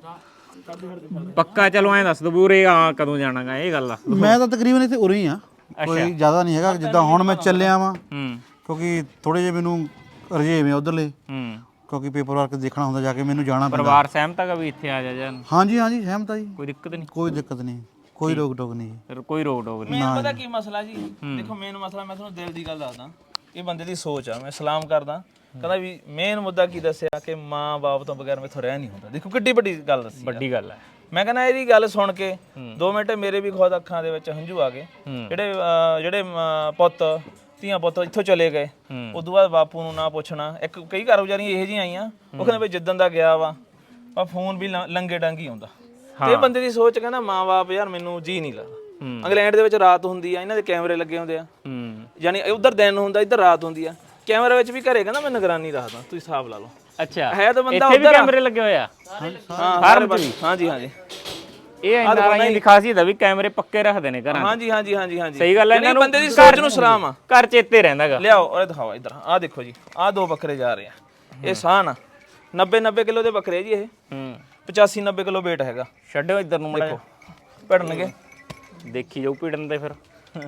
S2: ਪੱਕਾ ਚਲੋ ਐਂ ਦੱਸ ਦੋ ਵੀ ਉਰੇ ਆ ਕਦੋਂ ਜਾਣਾਗਾ, ਇਹ ਗੱਲ ਦੱਸ ਦੋ।
S3: ਮੈਂ ਤਾਂ ਤਕਰੀਬਨ ਇੱਥੇ ਉਰੇ ਹੀ ਆ, ਕੋਈ ਜ਼ਿਆਦਾ ਨਹੀਂ ਹੈਗਾ। ਜਿੱਦਾਂ ਹੁਣ ਮੈਂ ਚੱਲਿਆ ਵਾਂ ਕਿਉਂਕਿ ਥੋੜੇ ਜਿਹੇ ਮੈਨੂੰ ਰਜੇਵੇਂ ਮੈਂ ਉਧਰਲੇ, ਕਿਉਂਕਿ ਪੇਪਰ ਵਰਕ ਦੇਖਣਾ ਹੁੰਦਾ ਜਾ ਕੇ, ਮੈਨੂੰ ਜਾਣਾ ਪੈਂਦਾ।
S2: ਪਰਿਵਾਰ ਸਹਿਮਤ ਹੈਗਾ ਵੀ ਇੱਥੇ ਆ ਜਾ ਜਾਨ?
S3: ਹਾਂਜੀ ਹਾਂਜੀ ਸਹਿਮਤ ਆ ਜੀ,
S2: ਕੋਈ ਦਿੱਕਤ ਨਹੀਂ?
S3: ਕੋਈ ਦਿੱਕਤ ਨਹੀਂ, ਕੋਈ ਰੋਕ ਟੋਕ ਨਹੀਂ ਜੀ।
S2: ਫਿਰ ਕੋਈ ਰੋਕ ਟੋਕ ਨਹੀਂ?
S1: ਮੇਨ ਪਤਾ ਕੀ ਮਸਲਾ ਜੀ, ਦੇਖੋ ਮੇਨ ਮਸਲਾ ਮੈਂ ਤੁਹਾਨੂੰ ਦਿਲ ਦੀ ਗੱਲ ਦੱਸਦਾ, ਇਹ ਬੰਦੇ ਦੀ ਸੋਚ ਆ। ਮੈਂ ਸਲਾਮ ਕਰਦਾ, ਕਹਿੰਦਾ ਵੀ ਮੇਨ ਮੁੱਦਾ ਕੀ ਦੱਸਿਆ ਕਿ ਮਾਂ ਬਾਪ ਤੋਂ ਬਗੈਰ ਮੈਥੋਂ ਰਹਿ ਨਹੀਂ ਹੁੰਦਾ। ਦੇਖੋ ਕਿੱਡੀ ਵੱਡੀ ਗੱਲ ਦੱਸੀ,
S2: ਵੱਡੀ ਗੱਲ ਹੈ।
S1: ਮੈਂ ਕਹਿੰਦਾ ਇਹਦੀ ਗੱਲ ਸੁਣ ਕੇ 2 ਮਿੰਟ ਮੇਰੇ ਵੀ ਖੁਦ ਅੱਖਾਂ ਦੇ ਵਿੱਚ ਹੰਝੂ ਆ ਗਏ। ਜਿਹੜੇ ਪੁੱਤ ਧੀਆਂ ਪੁੱਤ ਇੱਥੋਂ ਚਲੇ ਗਏ, ਉਦੋਂ ਬਾਅਦ ਬਾਪੂ ਨੂੰ ਨਾ ਪੁੱਛਣਾ। ਕਈ ਘਰ ਵਿਚਾਰੀਆਂ ਇਹੋ ਜਿਹੀਆਂ ਆਈਆਂ, ਉਹ ਕਹਿੰਦੇ ਬਈ ਜਿੱਦਣ ਦਾ ਗਿਆ ਵਾ ਪਰ ਫੋਨ ਵੀ ਲੰਗੇ ਡਾਂਗੀ ਆਉਂਦਾ। ਤੇ ਇਹ ਬੰਦੇ ਦੀ ਸੋਚ, ਕਹਿੰਦਾ ਮਾਂ ਬਾਪ ਯਾਰ ਮੈਨੂੰ ਜੀ ਨਹੀਂ ਲੱਗਦਾ। ਇੰਗਲੈਂਡ ਦੇ ਵਿੱਚ ਰਾਤ ਹੁੰਦੀ ਆ, ਇਹਨਾਂ ਦੇ ਕੈਮਰੇ ਲੱਗੇ ਹੁੰਦੇ ਆ, ਯਾਨੀ ਉਧਰ ਦਿਨ ਹੁੰਦਾ ਇੱਧਰ ਰਾਤ ਹੁੰਦੀ ਆ। ਕੈਮਰੇ ਵਿੱਚ ਵੀ ਘਰੇ ਕਹਿੰਦਾ ਮੈਂ ਨਿਗਰਾਨੀ ਰੱਖਦਾ, ਤੁਸੀਂ ਹਿਸਾਬ ਲਾ ਲਓ।
S2: ਅੱਛਾ
S1: ਹੈ ਤਾਂ ਬੰਦਾ
S2: ਇੱਥੇ ਵੀ
S1: ਉਧਰ
S2: ਕੈਮਰੇ ਲੱਗੇ ਹੋਏ ਆ?
S1: ਹਾਂਜੀ ਹਾਂਜੀ।
S2: ਇਹ ਐਨਆਰਆਈ ਦੀ ਖਾਸੀਅਤ ਆ ਵੀ ਕੈਮਰੇ ਪੱਕੇ ਰੱਖਦੇ ਨੇ ਘਰਾਂ।
S1: ਹਾਂਜੀ ਹਾਂਜੀ ਹਾਂਜੀ ਹਾਂਜੀ।
S2: ਸਹੀ ਗੱਲ ਹੈ। ਇਹਨਾਂ ਨੂੰ
S1: ਬੰਦੇ ਦੀ ਸੋਚ ਨੂੰ ਸਲਾਮ ਆ,
S2: ਘਰ ਚੇਤੇ ਰਹਿੰਦਾਗਾ।
S1: ਲਿਆਓ ਉਹ ਦਿਖਾਓ ਇੱਧਰ। ਆਹ ਦੇਖੋ ਜੀ, ਆਹ 2 ਬੱਕਰੇ ਜਾ ਰਹੇ ਆ। ਇਹ ਸਾਨ ਆ 90 ਕਿਲੋ ਦੇ ਬੱਕਰੇ ਜੀ। ਇਹ 85-90 ਕਿਲੋ weight ਹੈਗਾ।
S2: ਛੱਡੋ ਇੱਧਰ ਨੂੰ ਮੜਾ,
S1: ਭਿੜਨਗੇ,
S2: ਦੇਖੀ ਜਾਓ ਭਿੜਨ ਦੇ ਫਿਰ।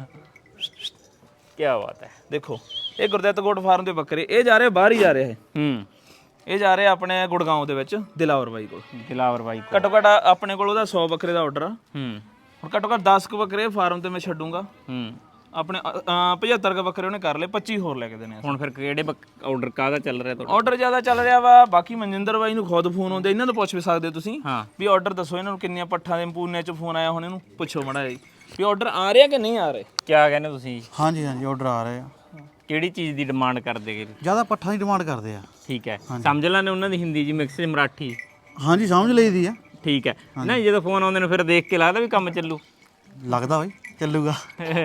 S2: ਕੀ ਬਾਤ ਹੈ।
S1: ਦੇਖੋ ਇਹ ਗੁਰਦਿੱਤ ਗੋਟ ਫਾਰਮ ਦੇ ਬੱਕਰੇ, ਇਹ ਜਾ ਰਹੇ ਬਾਹਰ ਹੀ ਜਾ ਰਹੇ। ਇਹ ਜਾ ਰਹੇ ਆਪਣੇ ਗੁੜਗਾਉਂ ਦੇ ਵਿੱਚ ਦਿਲਾਵਰ ਬਾਈ ਕੋਲ।
S2: ਦਿਲਾਵਰ ਬਾਈ ਕੋਲ
S1: ਘੱਟੋ ਘੱਟ ਆਪਣੇ ਕੋਲ ਉਹਦਾ 100 ਬੱਕਰੇ ਦਾ ਆਰਡਰ ਆ। ਹੁਣ ਘੱਟੋ ਘੱਟ 10 ਕੁ ਬੱਕਰੇ ਫਾਰਮ ਤੇ ਮੈਂ ਛੱਡੂੰਗਾ। ਆਪਣੇ 75 ਕੁ ਬੱਕਰੇ ਉਹਨੇ ਕਰ ਲਏ, 25 ਹੋਰ ਲੈ ਕੇ ਦੇਣੇ।
S2: ਹੁਣ ਫਿਰ ਕਿਹੜੇ ਆਰਡਰ ਕਾਹਦਾ ਚੱਲ ਰਿਹਾ ਤੁਹਾਡਾ?
S1: ਆਰਡਰ ਜ਼ਿਆਦਾ ਚੱਲ ਰਿਹਾ ਵਾ। ਬਾਕੀ ਮਨਜਿੰਦਰ ਬਾਈ ਨੂੰ ਖੁਦ ਫੋਨ ਆਉਂਦੇ, ਇਹਨਾਂ ਤੋਂ ਪੁੱਛ ਵੀ ਸਕਦੇ ਹੋ ਤੁਸੀਂ ਵੀ ਆਰਡਰ ਦੱਸੋ ਇਹਨਾਂ ਨੂੰ ਕਿੰਨੀਆਂ ਪੱਠਾਂ ਦੇ ਪੂਨੇ ਚ ਫੋਨ ਆਇਆ। ਹੁਣ ਇਹਨੂੰ ਪੁੱਛੋ ਮਾੜਾ ਜੀ ਵੀ ਆਰਡਰ ਆ ਰਿਹਾ ਕਿ ਨਹੀਂ ਆ ਰਹੇ।
S2: ਕੀ ਕਹਿੰਦੇ ਤੁਸੀਂ?
S3: ਹਾਂਜੀ ਹਾਂਜੀ ਆਰਡਰ ਆ ਰਹੇ ਆ।
S2: ਕਿਹੜੀ ਚੀਜ਼ ਦੀ ਡਿਮਾਂਡ ਕਰਦੇ ਗੇ?
S3: ਜ਼ਿਆਦਾ ਪੱਠਾਂ ਦੀ ਡਿਮਾਂਡ ਕਰਦੇ ਆ।
S2: ਠੀਕ ਹੈ। ਸਮਝ ਲੈਣੇ ਉਹਨਾਂ ਦੀ ਹਿੰਦੀ ਜੀ ਮਿਕਸ ਮਰਾਠੀ?
S3: ਹਾਂਜੀ ਸਮਝ ਲਈਦੀ ਆ।
S2: ਠੀਕ ਹੈ। ਨਹੀਂ ਜਦੋਂ ਫੋਨ ਆਉਂਦੇ ਨੇ ਫਿਰ ਦੇਖ ਕੇ ਲੱਗਦਾ ਵੀ ਕੰਮ ਚੱਲੂ?
S3: ਲੱਗਦਾ ਬਾਈ ਚੱਲੂਗਾ।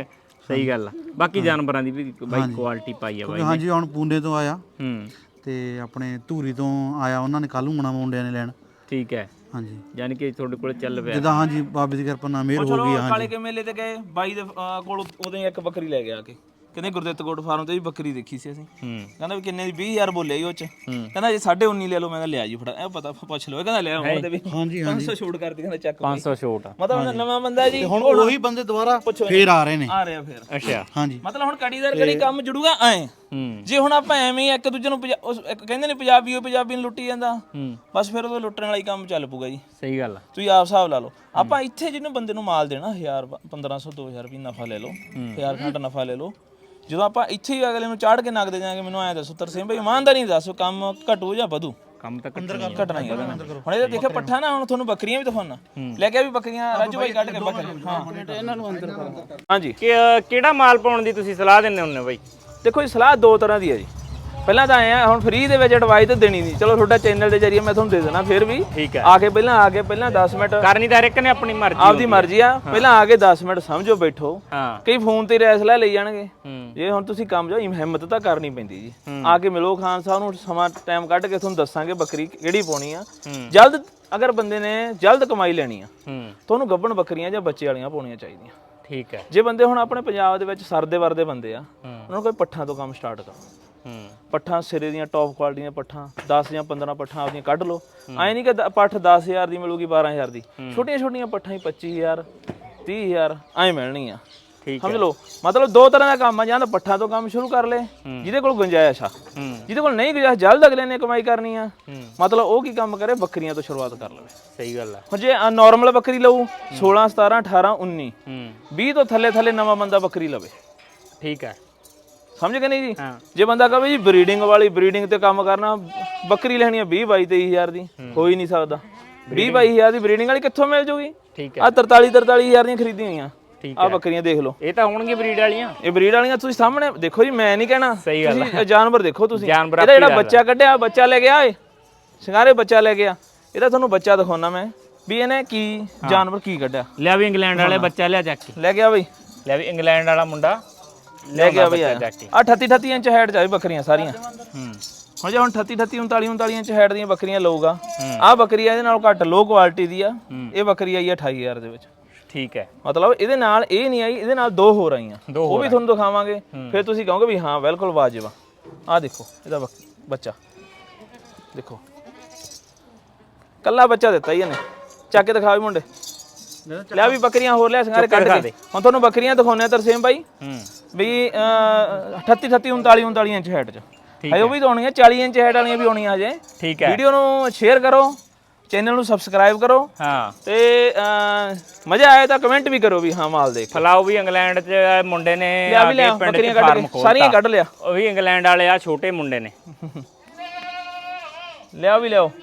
S2: ਸਹੀ ਗੱਲ ਆ। ਬਾਕੀ ਜਾਨਵਰਾਂ ਦੀ ਵੀ ਬਾਈ ਕੁਆਲਿਟੀ ਪਾਈ ਆ ਬਾਈ।
S3: ਹਾਂਜੀ ਹੁਣ ਪੂਨੇ ਤੋਂ ਆਇਆ
S2: ਹੂੰ
S3: ਤੇ ਆਪਣੇ ਧੂਰੀ ਤੋਂ ਆਇਆ, ਉਹਨਾਂ ਨੇ ਕੱਲ ਨੂੰ ਆਉਣਾ ਮੁੰਡਿਆਂ ਨੇ ਲੈਣ।
S2: ਠੀਕ ਹੈ,
S3: ਹਾਂਜੀ
S2: ਯਾਨੀ ਕਿ ਤੁਹਾਡੇ ਕੋਲ ਚੱਲ ਪਿਆ
S3: ਜਿੱਦਾਂ ਹਾਂਜੀ ਬਾਬੇ ਦੀ ਕਿਰਪਾ ਨਾਲ ਮਿਹਰ ਹੋ ਗਈ।
S1: ਕਾਲੇ
S3: ਹਾਂਜੀ
S1: ਕੇ ਮੇਲੇ ਤੇ ਗਏ ਬਾਈ ਦੇ ਕੋਲ ਉਦੋਂ ਹੀ ਇੱਕ ਬੱਕਰੀ ਲੈ ਗਿਆ ਆ ਕੇ, ਕਹਿੰਦੇ ਗੁਰਦਿੱਤ ਗੋਟ ਫਾਰਮ ਤੇ ਵੀ ਬੱਕਰੀ ਦੇਖੀ ਸੀ ਅਸੀਂ। ਕਹਿੰਦਾ ਵੀ ਕਿੰਨੇ ਦੀ 20000 ਬੋਲਿਆ ਜੀ ਉਹ ਚ। ਕਹਿੰਦਾ ਜੇ 19.5 ਲੈ ਲਓ। ਮੈਂ ਕਿਹਾ ਲਿਆ ਜੀ ਫੜਾ, ਇਹ ਪਤਾ ਪੁੱਛ ਲਓ। ਕਹਿੰਦਾ ਲੈ ਆਉਣ ਤੇ ਵੀ
S3: ਹਾਂਜੀ
S1: 500 ਛੋਟ ਕਰਦੀ, ਕਹਿੰਦਾ ਚੱਕ
S2: 500 ਛੋਟ।
S1: ਮਤਲਬ ਨਵਾਂ ਬੰਦਾ ਜੀ,
S3: ਹੁਣ ਉਹੀ ਬੰਦੇ ਦੁਬਾਰਾ ਫੇਰ ਆ ਰਹੇ ਨੇ।
S1: ਆ ਰਿਹਾ ਫੇਰ।
S2: ਅੱਛਾ
S3: ਹਾਂਜੀ
S1: ਮਤਲਬ ਹੁਣ ਕੜੀਦਾਰ ਕੜੀ ਕੰਮ ਜੁੜੂਗਾ ਐ। ਜੇ ਹੁਣ ਆਪਾਂ ਐਵੇਂ ਹੀ ਇੱਕ ਦੂਜੇ ਨੂੰ ਕਹਿੰਦੇ ਨੇ ਪੰਜਾਬੀ ਉਹ ਪੰਜਾਬੀ ਨੂੰ ਲੁੱਟੀ ਜਾਂਦਾ, ਬਸ ਫਿਰ ਉਹ ਲੁੱਟਣ ਵਾਲਾ ਹੀ ਕੰਮ ਚੱਲ ਪੂਗਾ ਜੀ।
S2: ਸਹੀ ਗੱਲ ਆ।
S1: ਤੁਸੀਂ ਆਪ ਹਿਸਾਬ ਲਾ ਲਓ। ਆਪਾਂ ਇੱਥੇ ਜਿਹਨੂੰ ਬੰਦੇ ਨੂੰ ਮਾਲ ਦੇਣਾ 1000 1500 2000 ਰੁਪਏ ਨਫਾ ਲੈ ਲਓ, 1000 ਘੰਟਾ ਨਫਾ ਲੈ ਲਓ। ਜਦੋਂ ਆਪਾਂ ਇੱਥੇ ਹੀ ਅਗਲੇ ਨੂੰ ਚਾੜ ਕੇ ਨੱਕ ਦੇ ਜਾਾਂਗੇ, ਮੈਨੂੰ ਐਂ ਦੱਸੋ ਤਰਸੇਮ ਭਾਈ ਇਮਾਨਦਾਰੀ ਨਹੀਂ ਦੱਸੋ, ਕੰਮ ਘਟੂ ਜਾਂ ਵਧੂ?
S2: ਕੰਮ ਤਾਂ
S1: ਘਟਣਾ ਹੀ ਹੁਣ ਇਹਦੇ ਦੇਖਿਆ ਪੱਠਾ ਨਾ, ਹੁਣ ਤੁਹਾਨੂੰ ਬੱਕਰੀਆਂ ਵੀ ਦਿਖਾਉਣਾ ਲੈ ਕੇ ਵੀ ਬੱਕਰੀਆਂ ਰਾਜੂ ਭਾਈ ਕੱਢ ਕੇ ਬੱਕਰੀ। ਹਾਂ ਇਹਨਾਂ ਨੂੰ ਅੰਦਰ ਹਾਂਜੀ।
S2: ਕਿਹੜਾ ਮਾਲ ਪਾਉਣ ਦੀ ਤੁਸੀਂ ਸਲਾਹ ਦਿੰਦੇ ਹੁੰਦੇ ਹੋ ਬਾਈ?
S1: ਦੇਖੋ ਜੀ ਸਲਾਹ ਦੋ ਤਰ੍ਹਾਂ ਦੀ ਹੈ ਜੀ। ਪਹਿਲਾਂ ਤਾਂ ਆਏ ਆ ਹੁਣ ਫ੍ਰੀ ਦੇ ਵਿੱਚ ਐਡਵਾਈਸ ਤਾਂ ਦੇਣੀ ਨਹੀਂ, ਚਲੋ ਤੁਹਾਡਾ ਚੈਨਲ ਦੇ ਜਰੀਏ ਮੈਂ ਤੁਹਾਨੂੰ ਦੇ ਦੇਣਾ। ਫਿਰ ਵੀ
S2: ਠੀਕ ਹੈ,
S1: ਆ ਕੇ ਪਹਿਲਾਂ 10 ਮਿੰਟ
S2: ਕਰਨੀ ਤਾਂ ਹਰ ਇੱਕ ਨੇ ਆਪਣੀ ਮਰਜ਼ੀ,
S1: ਆਪਦੀ ਮਰਜ਼ੀ ਆ। ਪਹਿਲਾਂ ਆ ਕੇ 10 ਮਿੰਟ ਸਮਝੋ ਬੈਠੋ।
S2: ਹਾਂ
S1: ਕਈ ਫੋਨ ਤੇ ਰੈਸਲਾ ਲਈ ਜਾਣਗੇ। ਜੇ ਹੁਣ ਤੁਸੀਂ ਕੰਮ ਜਾਓ, ਹਿੰਮਤ ਤਾਂ ਕਰਨੀ ਪੈਂਦੀ ਜੀ। ਆ ਕੇ ਮਿਲੋ ਖਾਨ ਸਾਹਿਬ ਨੂੰ, ਸਮਾਂ ਟਾਈਮ ਕੱਢ ਕੇ ਤੁਹਾਨੂੰ ਦੱਸਾਂਗੇ ਬੱਕਰੀ ਕਿਹੜੀ ਪਾਉਣੀ ਆ। ਜਲਦ ਅਗਰ ਬੰਦੇ ਨੇ ਜਲਦ ਕਮਾਈ ਲੈਣੀ ਆ, ਤੁਹਾਨੂੰ ਗੱਭਣ ਬੱਕਰੀਆਂ ਜਾਂ ਬੱਚੇ ਵਾਲੀਆਂ ਪਾਉਣੀਆਂ ਚਾਹੀਦੀਆਂ।
S2: ਠੀਕ ਹੈ।
S1: ਜੇ ਬੰਦੇ ਹੁਣ ਆਪਣੇ ਪੰਜਾਬ ਦੇ ਵਿੱਚ ਸਰਦੇ ਵਰਦੇ ਬੰਦੇ ਆ, ਉਹਨਾਂ ਨੂੰ ਕੋਈ ਪੱਠਾਂ ਤੋਂ ਕੰਮ ਸਟਾਰਟ ਕਰੋ। ਪੱਠਾਂ ਸਿਰੇ ਦੀਆਂ ਟੌਪ ਕੁਆਲਿਟੀ ਦੀਆਂ ਪੱਠਾਂ 10 ਜਾਂ 15 ਪੱਠਾਂ ਆਪਦੀਆਂ ਕੱਢ ਲਓ। ਐਂ ਨਹੀਂ ਕਿ ਪੱਠ 10000 ਦੀ ਮਿਲੂਗੀ 12000 ਦੀ, ਛੋਟੀਆਂ ਛੋਟੀਆਂ ਪੱਠਾਂ ਹੀ 25000 30000 ਐਂ ਮਿਲਣਗੀਆਂ। ਸਮਝ ਲਓ ਮਤਲਬ ਦੋ ਤਰ੍ਹਾਂ ਦਾ ਕੰਮ ਆ। ਜਾਂ ਤਾਂ ਪੱਠਾਂ ਤੋਂ ਕੰਮ ਸ਼ੁਰੂ ਕਰ ਲੈ ਜਿਹਦੇ ਕੋਲ ਗੁੰਜਾਇਸ਼ ਆ, ਜਿਹਦੇ ਕੋਲ ਨਹੀਂ ਗੁੰਜਾਇਸ਼ ਜਲਦ ਅਗਲੇ ਨੇ ਕਮਾਈ ਕਰਨੀ ਆ, ਮਤਲਬ ਉਹ ਕੀ ਕੰਮ ਕਰੇ, ਬੱਕਰੀਆਂ ਤੋਂ ਸ਼ੁਰੂਆਤ ਕਰ ਲਵੇ।
S2: ਸਹੀ ਗੱਲ ਆ।
S1: ਹੁਣ ਜੇ ਨਾਰਮਲ ਬੱਕਰੀ ਲਊ 16 17 18 19 20 ਤੋਂ ਥੱਲੇ ਨਵਾਂ ਬੰਦਾ ਬੱਕਰੀ ਲਵੇ।
S2: ਠੀਕ ਹੈ,
S1: ਸਮਝ ਗਏ ਨਹੀਂ ਜੀ? ਜੇ ਬੰਦਾ ਕਹੇ ਜੀ ਬਰੀਡਿੰਗ ਵਾਲੀ ਬਰੀਡਿੰਗ ਤੇ ਕੰਮ ਕਰਨਾ, ਬੱਕਰੀ ਲੈਣੀ ਆ 20 22 23000 ਦੀ, ਹੋ ਹੀ ਨਹੀਂ ਸਕਦਾ। 20 22000 ਦੀ ਬਰੀਡਿੰਗ ਵਾਲੀ ਕਿੱਥੋਂ ਮਿਲ ਜੂਗੀ?
S2: ਠੀਕ
S1: ਆ 43000 ਦੀਆਂ ਖਰੀਦੀਆਂ ਹੋਈਆਂ ਆ ਬੱਕਰੀਆਂ ਦੇਖ ਲਓ।
S2: ਇਹ ਤਾਂ ਹੋਣਗੇ ਬਰੀਡ ਵਾਲੀਆਂ। ਇਹ
S1: ਬਰੀਡ ਵਾਲੀਆਂ ਤੁਸੀਂ ਸਾਹਮਣੇ ਦੇਖੋ ਜੀ, ਮੈਂ ਨਹੀਂ ਕਹਿਣਾ।
S2: ਸਹੀ ਗੱਲ
S1: ਤੁਸੀਂ ਜਾਨਵਰ ਦੇਖੋ ਤੁਸੀਂ।
S2: ਜਾਨਵਰ
S1: ਇਹਦਾ ਜਿਹੜਾ ਬੱਚਾ ਕੱਢਿਆ, ਬੱਚਾ ਲੈ ਗਿਆ ਏ ਸ਼ਿੰਗਾਰੇ, ਬੱਚਾ ਲੈ ਗਿਆ। ਇਹਦਾ ਤੁਹਾਨੂੰ ਬੱਚਾ ਦਿਖਾਉਣਾ ਮੈਂ ਵੀ ਇਹਨੇ ਕੀ ਜਾਨਵਰ ਕੀ ਕੱਢਿਆ।
S2: ਲਿਆ ਵੀ ਇੰਗਲੈਂਡ ਵਾਲੇ ਬੱਚਾ ਲਿਆ ਚੱਕ ਕੇ
S1: ਲੈ ਗਿਆ ਬਈ,
S2: ਲਿਆ ਵੀ ਇੰਗਲੈਂਡ ਵਾਲਾ ਮੁੰਡਾ
S1: ਲੈ ਗਿਆ ਬਈ। ਆ 38 ਇੰਚ ਹਾਈਟ ਚ ਬੱਕਰੀਆਂ ਸਾਰੀਆਂ। ਹੁਣ ਜੇ ਹੁਣ 38 39 ਇੰਚ ਹਾਈਟ ਦੀਆਂ ਬੱਕਰੀਆਂ ਲਊਗਾ, ਆਹ ਬੱਕਰੀ ਇਹਦੇ ਨਾਲ ਘੱਟ ਲੋ ਕੁਆਲਿਟੀ ਦੀ ਆ। ਇਹ ਬੱਕਰੀ ਆਈ 28000 ਦੇ ਵਿੱਚ।
S2: ਠੀਕ ਹੈ,
S1: ਮਤਲਬ ਇਹਦੇ ਨਾਲ ਇਹ ਨਹੀਂ ਆਈ, ਇਹਦੇ ਨਾਲ ਦੋ ਹੋਰ ਆਈਆਂ, ਉਹ ਵੀ ਤੁਹਾਨੂੰ ਦਿਖਾਵਾਂਗੇ। ਫਿਰ ਤੁਸੀਂ ਕਹੋਗੇ ਵੀ ਹਾਂ ਬਿਲਕੁਲ ਵਾਜਿਬ ਆ। ਆਹ ਦੇਖੋ ਇਹਦਾ ਬੱਚਾ ਦੇਖੋ, ਕੱਲਾ ਬੱਚਾ ਦਿੱਤਾ ਹੀ ਇਹਨੇ। ਚੱਕ ਕੇ ਦਿਖਾ ਵੀ ਮੁੰਡੇ, ਲਿਆ ਵੀ ਬੱਕਰੀਆਂ ਹੋਰ ਲਿਆ ਸਿੰਗਾਰੇ ਕੱਢ ਕੇ। ਹੁਣ ਤੁਹਾਨੂੰ ਬੱਕਰੀਆਂ ਦਿਖਾਉਂਦੇ ਆ ਤਰਸੇਮ ਭਾਈ ਵੀ 38 39 ਇੰਚ ਹਾਈਟ ਚ ਹੈ। ਉਹ ਵੀ ਤਾਂ ਆਉਣੀਆਂ 40 ਇੰਚ ਹਾਈਟ ਵਾਲੀਆਂ ਵੀ ਆਉਣੀਆਂ ਹਜੇ।
S2: ਠੀਕ ਹੈ,
S1: ਵੀਡੀਓ ਨੂੰ ਸ਼ੇਅਰ ਕਰੋ, ਚੈਨਲ ਨੂੰ ਸਬਸਕ੍ਰਾਈਬ ਕਰੋ।
S2: ਹਾਂ
S1: ਤੇ ਮਜ਼ਾ ਆਇਆ ਤਾਂ ਕਮੈਂਟ ਵੀ ਕਰੋ ਵੀ ਹਾਂ ਮਾਲ ਦੇਖ।
S2: ਫਲਾਓ ਵੀ ਇੰਗਲੈਂਡ ਚ ਮੁੰਡੇ ਨੇ
S1: ਆ ਕੇ ਪਿੰਡ ਚ ਫਾਰਮ ਖੋਲ੍ਹਿਆ, ਸਾਰੀਆਂ ਕੱਢ ਲਿਆ।
S2: ਉਹ ਵੀ ਇੰਗਲੈਂਡ ਵਾਲੇ ਆ, ਛੋਟੇ ਮੁੰਡੇ ਨੇ।
S1: ਲਿਆ ਵੀ ਲਿਆਓ।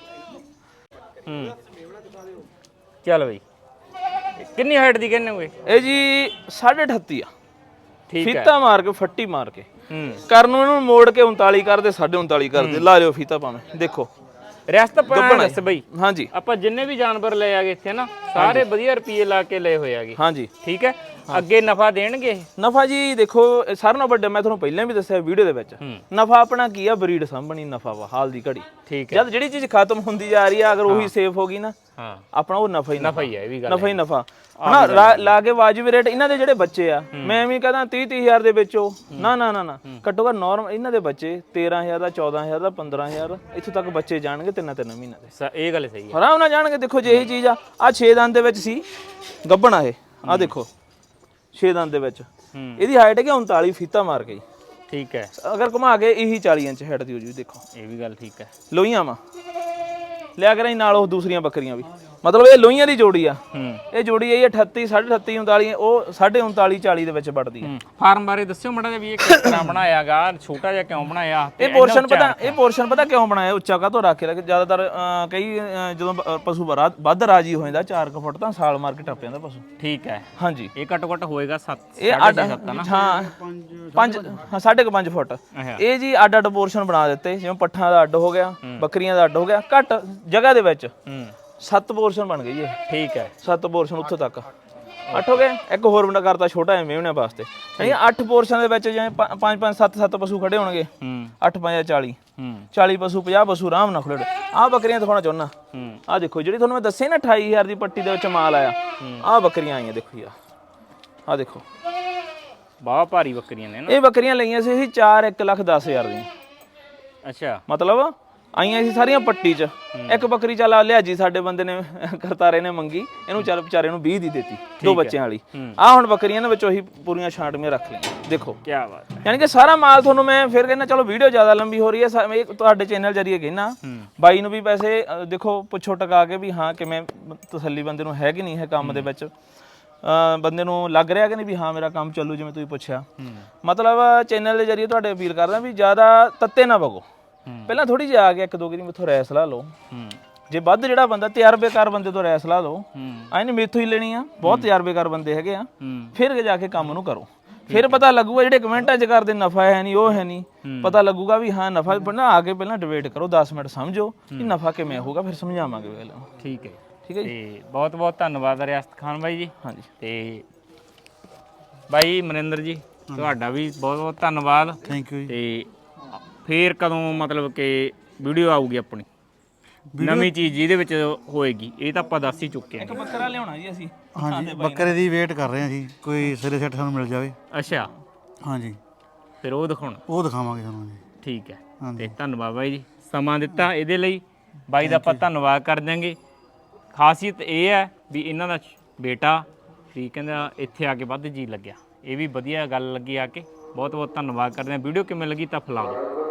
S2: ਚੱਲ ਬਈ, ਕਿੰਨੀ ਹਾਈਟ ਦੀ ਕਹਿੰਦੇ ਹੋਏ?
S1: ਇਹ ਜੀ 38.5 ਆ।
S2: ਠੀਕ ਹੈ,
S1: ਫੀਤਾ ਮਾਰ ਕੇ ਫੱਟੀ ਮਾਰ ਕੇ ਕਰਨ ਨੂੰ ਇਹਨੂੰ ਮੋੜ ਕੇ 39 ਕਰਦੇ 39.5 ਕਰਦੇ। ਲਾ ਲਿਓ ਫੀਤਾ ਭਾਵੇਂ। ਦੇਖੋ
S2: ਰੈਸਟ ਪਾਣਾ ਦੱਸ ਬਈ।
S1: ਹਾਂਜੀ
S2: ਆਪਾਂ ਜਿੰਨੇ ਵੀ ਜਾਨਵਰ ਲਏ ਆਗੇ ਇੱਥੇ ਨਾ, ਸਾਰੇ ਵਧੀਆ ਰੁਪਏ ਲਾ ਕੇ ਲਏ ਹੋਏ ਆਗੇ।
S1: ਹਾਂਜੀ
S2: ਠੀਕ ਹੈ, ਅੱਗੇ ਨਫਾ ਦੇਣਗੇ?
S1: ਨਫਾ ਜੀ ਦੇਖੋ ਸਾਰਿਆਂ ਨਾਲੋਂ ਵੱਡਾ, ਮੈਂ ਤੁਹਾਨੂੰ ਪਹਿਲਾਂ ਵੀ ਦੱਸਿਆ ਵੀਡੀਓ ਦੇ ਵਿੱਚ, ਨਫਾ ਆਪਣਾ ਕੀ ਆ, ਬਰੀਡ ਸਾਂਭਣੀ ਨਫਾ ਵਾ ਹਾਲ ਦੀ ਘੜੀ।
S2: ਠੀਕ ਹੈ,
S1: ਜਦ ਜਿਹੜੀ ਚੀਜ਼ ਖਤਮ ਹੁੰਦੀ ਜਾ ਰਹੀ ਆ, ਅਗਰ ਉਹੀ ਸੇਫ ਹੋ ਗਈ ਨਾ,
S2: ਹਾਂ
S1: ਆਪਣਾ ਉਹ ਨਫਾ ਹੀ
S2: ਹੈ। ਇਹ ਵੀ ਗੱਲ
S1: ਨਫਾ ਹੀ ਨਫਾ। ਹਨਾ ਲਾ ਕੇ ਵਾਜਿਬ ਰੇਟ। ਇਹਨਾਂ ਦੇ ਜਿਹੜੇ ਬੱਚੇ ਆ, ਮੈਂ ਵੀ ਕਹਦਾ 30,000 ਦੇ ਵਿੱਚੋਂ ਨਾ ਨਾ ਨਾ ਘੱਟੋ ਘੱਟ ਨੋਰਮਲ ਇਹਨਾਂ ਦੇ ਬੱਚੇ 13,000 ਦਾ 14,000 ਦਾ 15,000 ਇੱਥੋਂ ਤੱਕ ਬੱਚੇ ਜਾਣਗੇ 3 ਮਹੀਨਿਆਂ ਦੇ।
S2: ਇਹ ਗੱਲ ਸਹੀ ਹੈ,
S1: ਆਰਾਮ ਨਾਲ ਜਾਣਗੇ। ਦੇਖੋ ਜੇ ਇਹੀ ਚੀਜ਼ ਆ 6 ਦੰਦ ਦੇ ਵਿੱਚ ਸੀ ਗੱਭਣ। ਆ ਦੇਖੋ 6 ਦੰਦ ਦੇ ਵਿੱਚ ਇਹਦੀ ਹਾਈਟ ਹੈਗੀ 39 ਫੀਤਾ ਮਾਰ ਕੇ।
S2: ਠੀਕ ਹੈ,
S1: ਅਗਰ ਘੁਮਾ ਕੇ ਇਹੀ 40 ਇੰਚ ਹਾਈਟ ਦੀ ਹੋ ਜੂ। ਦੇਖੋ
S2: ਇਹ ਵੀ ਗੱਲ ਠੀਕ ਹੈ।
S1: ਲੋਹੀਆਂ ਵਾ ਲਿਆ ਕਰਾਂ ਨਾਲ ਉਹ ਦੂਸਰੀਆਂ ਬੱਕਰੀਆਂ ਵੀ, ਮਤਲਬ ਇਹ ਲੋਹੀਆਂ ਦੀ ਜੋੜੀ ਆ। ਇਹ ਜੋੜੀ ਹੈ 38 38 39 ਉਹ 39.5 40 ਦੇ ਵਿੱਚ ਵੜਦੀ ਹੈ।
S2: ਫਾਰਮ ਬਾਰੇ ਦੱਸਿਓ ਮਾੜਾ ਜਿਹਾ ਵੀ ਇਹ ਕਿਸ ਤਰ੍ਹਾਂ ਬਣਾਇਆਗਾ, ਛੋਟਾ ਜਿਹਾ ਕਿਉਂ ਬਣਾਇਆ?
S1: ਇਹ ਪੋਰਸ਼ਨ ਪਤਾ ਕਿਉਂ ਬਣਾਇਆ ਉੱਚਾ ਕਾਹਤੋਂ ਰੱਖ ਕੇ? ਜ਼ਿਆਦਾਤਰ ਕਈ ਜਦੋਂ ਪਸ਼ੂ ਵੱਧ ਰਾਜੀ ਹੋ ਜਾਂਦਾ 4 ਫੁੱਟ ਤਾਂ ਸਾਲ ਮਾਰ ਕੇ ਟੱਪ ਜਾਂਦਾ ਪਸ਼ੂ।
S2: ਠੀਕ ਹੈ,
S1: ਹਾਂਜੀ।
S2: ਇਹ ਘੱਟੋ ਘੱਟ ਹੋਏਗਾ 7
S1: ਇਹ ਹਾਂ 5.5 ਫੁੱਟ। ਇਹ ਜੀ ਅੱਡ ਅੱਡ ਪੋਰਸ਼ਨ ਬਣਾ ਦਿੱਤੇ, ਜਿਵੇਂ ਪੱਠਾਂ ਦਾ ਅੱਡ ਹੋ ਗਿਆ, ਬੱਕਰੀਆਂ ਦਾ ਅੱਡ ਹੋ ਗਿਆ। ਘੱਟ ਜਗ੍ਹਾ ਦੇ ਵਿੱਚ 7 ਪੋਰਸ਼ਨ ਬਣ ਗਈ ਇਹ।
S2: ਠੀਕ ਹੈ,
S1: 7 ਪੋਰਸ਼ਨ ਉੱਥੋਂ ਤੱਕ। 8 ਹੋ ਗਏ। ਇੱਕ ਹੋਰ ਬੰਦਾ ਕਰਤਾ ਛੋਟਾ ਐ ਮੇਵਣਿਆਂ ਵਾਸਤੇ, ਯਾਨੀ 8 ਪੋਰਸ਼ਨ ਦੇ ਵਿੱਚ ਜਿਵੇਂ 5 7 ਪਸ਼ੂ ਖੜੇ ਹੋਣਗੇ। 8 5 40 40 ਪਸ਼ੂ 50 ਪਸ਼ੂ ਆਰਾਮ ਨਾਲ ਖੜੇ। ਆਹ ਬੱਕਰੀਆਂ ਦਿਖਾਉਣਾ ਚਾਹੁੰਦਾ। ਆਹ ਦੇਖੋ ਜਿਹੜੀ ਤੁਹਾਨੂੰ ਮੈਂ ਦੱਸਿਆ ਨਾ 28000 ਦੀ ਪੱਟੀ ਦੇ ਵਿੱਚ ਮਾਲ ਆਇਆ, ਆਹ ਬੱਕਰੀਆਂ ਆਈਆਂ ਦੇਖੋ ਜੀ। ਆਹ ਦੇਖੋ
S2: ਬਹੁਤ ਭਾਰੀ ਬੱਕਰੀਆਂ ਨੇ ਨਾ।
S1: ਇਹ ਬੱਕਰੀਆਂ ਲਈਆਂ ਸੀ ਅਸੀਂ 4 1,10,000 ਦੀਆਂ।
S2: ਅੱਛਾ,
S1: ਮਤਲਬ ਆਈਆਂ ਸੀ ਸਾਰੀਆਂ ਪੱਟੀ 'ਚ। ਇੱਕ ਬੱਕਰੀ ਚੱਲ ਲਿਆ ਜੀ ਸਾਡੇ ਬੰਦੇ ਨੇ ਕਰਤਾਰੇ ਨੇ ਮੰਗੀ, ਇਹਨੂੰ ਚੱਲ ਵਿਚਾਰੇ ਨੂੰ 20 ਦੀ ਦਿੱਤੀ, 2 ਬੱਚਿਆਂ ਵਾਲੀ। ਆਹ ਹੁਣ ਬੱਕਰੀਆਂ ਨੇ ਵਿੱਚ ਉਹੀ ਪੂਰੀਆਂ ਛਾਂਟਵੀਆਂ ਰੱਖ ਲਈਆਂ ਦੇਖੋ।
S2: ਕੀ ਬਾਤ ਹੈ।
S1: ਯਾਨੀ ਕਿ ਸਾਰਾ ਮਾਲ ਤੁਹਾਨੂੰ ਮੈਂ ਫਿਰ ਕਹਿੰਦਾ, ਚਲੋ ਵੀਡੀਓ ਜ਼ਿਆਦਾ ਲੰਬੀ ਹੋ ਰਹੀ ਹੈ, ਇਹ ਤੁਹਾਡੇ ਚੈਨਲ ਜਰੀਏ ਕਹਿਣਾ। ਬਾਈ ਨੂੰ ਵੀ ਪੈਸੇ ਦੇਖੋ ਪੁੱਛੋ ਟਕਾ ਕੇ ਵੀ ਹਾਂ ਕਿਵੇਂ ਤਸੱਲੀ ਬੰਦੇ ਨੂੰ ਹੈ ਕਿ ਨਹੀਂ ਹੈ ਕੰਮ ਦੇ ਵਿੱਚ, ਬੰਦੇ ਨੂੰ ਲੱਗ ਰਿਹਾ ਕਿ ਨਹੀਂ ਵੀ ਹਾਂ ਮੇਰਾ ਕੰਮ ਚੱਲੂ। ਜਿਵੇਂ ਤੁਸੀਂ ਪੁੱਛਿਆ, ਮਤਲਬ ਚੈਨਲ ਦੇ ਜਰੀਏ ਤੁਹਾਡੇ ਅਪੀਲ ਕਰਦਾ ਵੀ ਜ਼ਿਆਦਾ ਤੱਤੇ ਨਾ ਵਗੋ। ਪਹਿਲਾਂ ਥੋੜੀ ਜਿਹੀ ਆ ਕੇ 1 2 ਵਾਰੀ ਮੈਥੋਂ ਰਾਏ ਸਲਾਹ ਲਓ। ਜੇ ਵੱਧ ਜਿਹੜਾ ਬੰਦਾ ਤਜਰਬੇਕਾਰ ਬੰਦੇ ਤੋਂ ਰਾਏ ਸਲਾਹ ਲਓ, ਐਂ ਨਹੀਂ ਮੇਥੋਂ ਹੀ ਲੈਣੀ ਆ, ਬਹੁਤ ਤਜਰਬੇਕਾਰ ਬੰਦੇ ਹੈਗੇ ਆ। ਫਿਰ ਜਾ ਕੇ ਕੰਮ ਨੂੰ ਕਰੋ, ਫਿਰ ਪਤਾ ਲੱਗੂਗਾ। ਜਿਹੜੇ ਕਮੈਂਟਾਂ 'ਚ ਕਰਦੇ ਨਫਾ ਹੈ ਨਹੀਂ, ਉਹ ਹੈ ਨਹੀਂ, ਪਤਾ ਲੱਗੂਗਾ ਵੀ ਹਾਂ ਨਫਾ। ਬਣਾ ਆ ਕੇ ਪਹਿਲਾਂ ਡਿਬੇਟ ਕਰੋ, 10 ਮਿੰਟ ਸਮਝੋ ਕਿ ਨਫਾ ਕਿਵੇਂ ਹੋਊਗਾ, ਫਿਰ ਸਮਝਾਵਾਂਗੇ ਪਹਿਲਾਂ।
S2: ਠੀਕ ਹੈ,
S1: ਠੀਕ ਹੈ ਜੀ।
S2: ਤੇ ਬਹੁਤ ਬਹੁਤ ਧੰਨਵਾਦ ਰਿਆਸਤ ਖਾਨ ਬਾਈ ਜੀ।
S1: ਹਾਂਜੀ,
S2: ਤੇ ਬਾਈ ਮਨਿੰਦਰ ਜੀ ਤੁਹਾਡਾ ਵੀ ਬਹੁਤ ਬਹੁਤ ਧੰਨਵਾਦ।
S3: ਥੈਂਕ ਯੂ ਜੀ।
S2: ਤੇ ਫੇਰ ਕਦੋਂ ਮਤਲਬ ਕਿ ਵੀਡੀਓ ਆਊਗੀ ਆਪਣੀ ਨਵੀਂ ਚੀਜ਼ ਜਿਹਦੇ ਵਿੱਚ ਹੋਏਗੀ, ਇਹ ਤਾਂ ਆਪਾਂ ਦੱਸ ਹੀ ਚੁੱਕੇ ਹਾਂ।
S1: ਇੱਕ ਬੱਕਰਾ ਲਿਆਉਣਾ ਜੀ ਅਸੀਂ।
S3: ਹਾਂਜੀ, ਬੱਕਰੇ ਦੀ ਵੇਟ ਕਰ ਰਹੇ ਹਾਂ ਜੀ, ਕੋਈ ਸਿਰੇ ਸੈੱਟ ਸਾਨੂੰ ਮਿਲ ਜਾਵੇ।
S2: ਅੱਛਾ,
S3: ਹਾਂਜੀ,
S2: ਫਿਰ ਉਹ ਦਿਖਾਉਣਾ।
S3: ਉਹ ਦਿਖਾਵਾਂਗੇ ਤੁਹਾਨੂੰ ਜੀ।
S2: ਠੀਕ ਹੈ,
S3: ਹਾਂਜੀ।
S2: ਤੇ ਧੰਨਵਾਦ ਬਾਈ ਜੀ, ਸਮਾਂ ਦਿੱਤਾ ਇਹਦੇ ਲਈ। ਬਾਈ ਦਾ ਆਪਾਂ ਧੰਨਵਾਦ ਕਰ ਦਿਆਂਗੇ। ਖਾਸੀਅਤ ਇਹ ਹੈ ਵੀ ਇਹਨਾਂ ਦਾ ਬੇਟਾ ਵੀ ਕਹਿੰਦਾ ਇੱਥੇ ਆ ਕੇ ਵੱਧ ਜੀ ਲੱਗਿਆ, ਇਹ ਵੀ ਵਧੀਆ ਗੱਲ ਲੱਗੀ ਆ ਕੇ। ਬਹੁਤ ਬਹੁਤ ਧੰਨਵਾਦ ਕਰਦੇ ਹਾਂ। ਵੀਡੀਓ ਕਿਵੇਂ ਲੱਗੀ ਤਾਂ ਫੈਲਾ ਦਿਓ।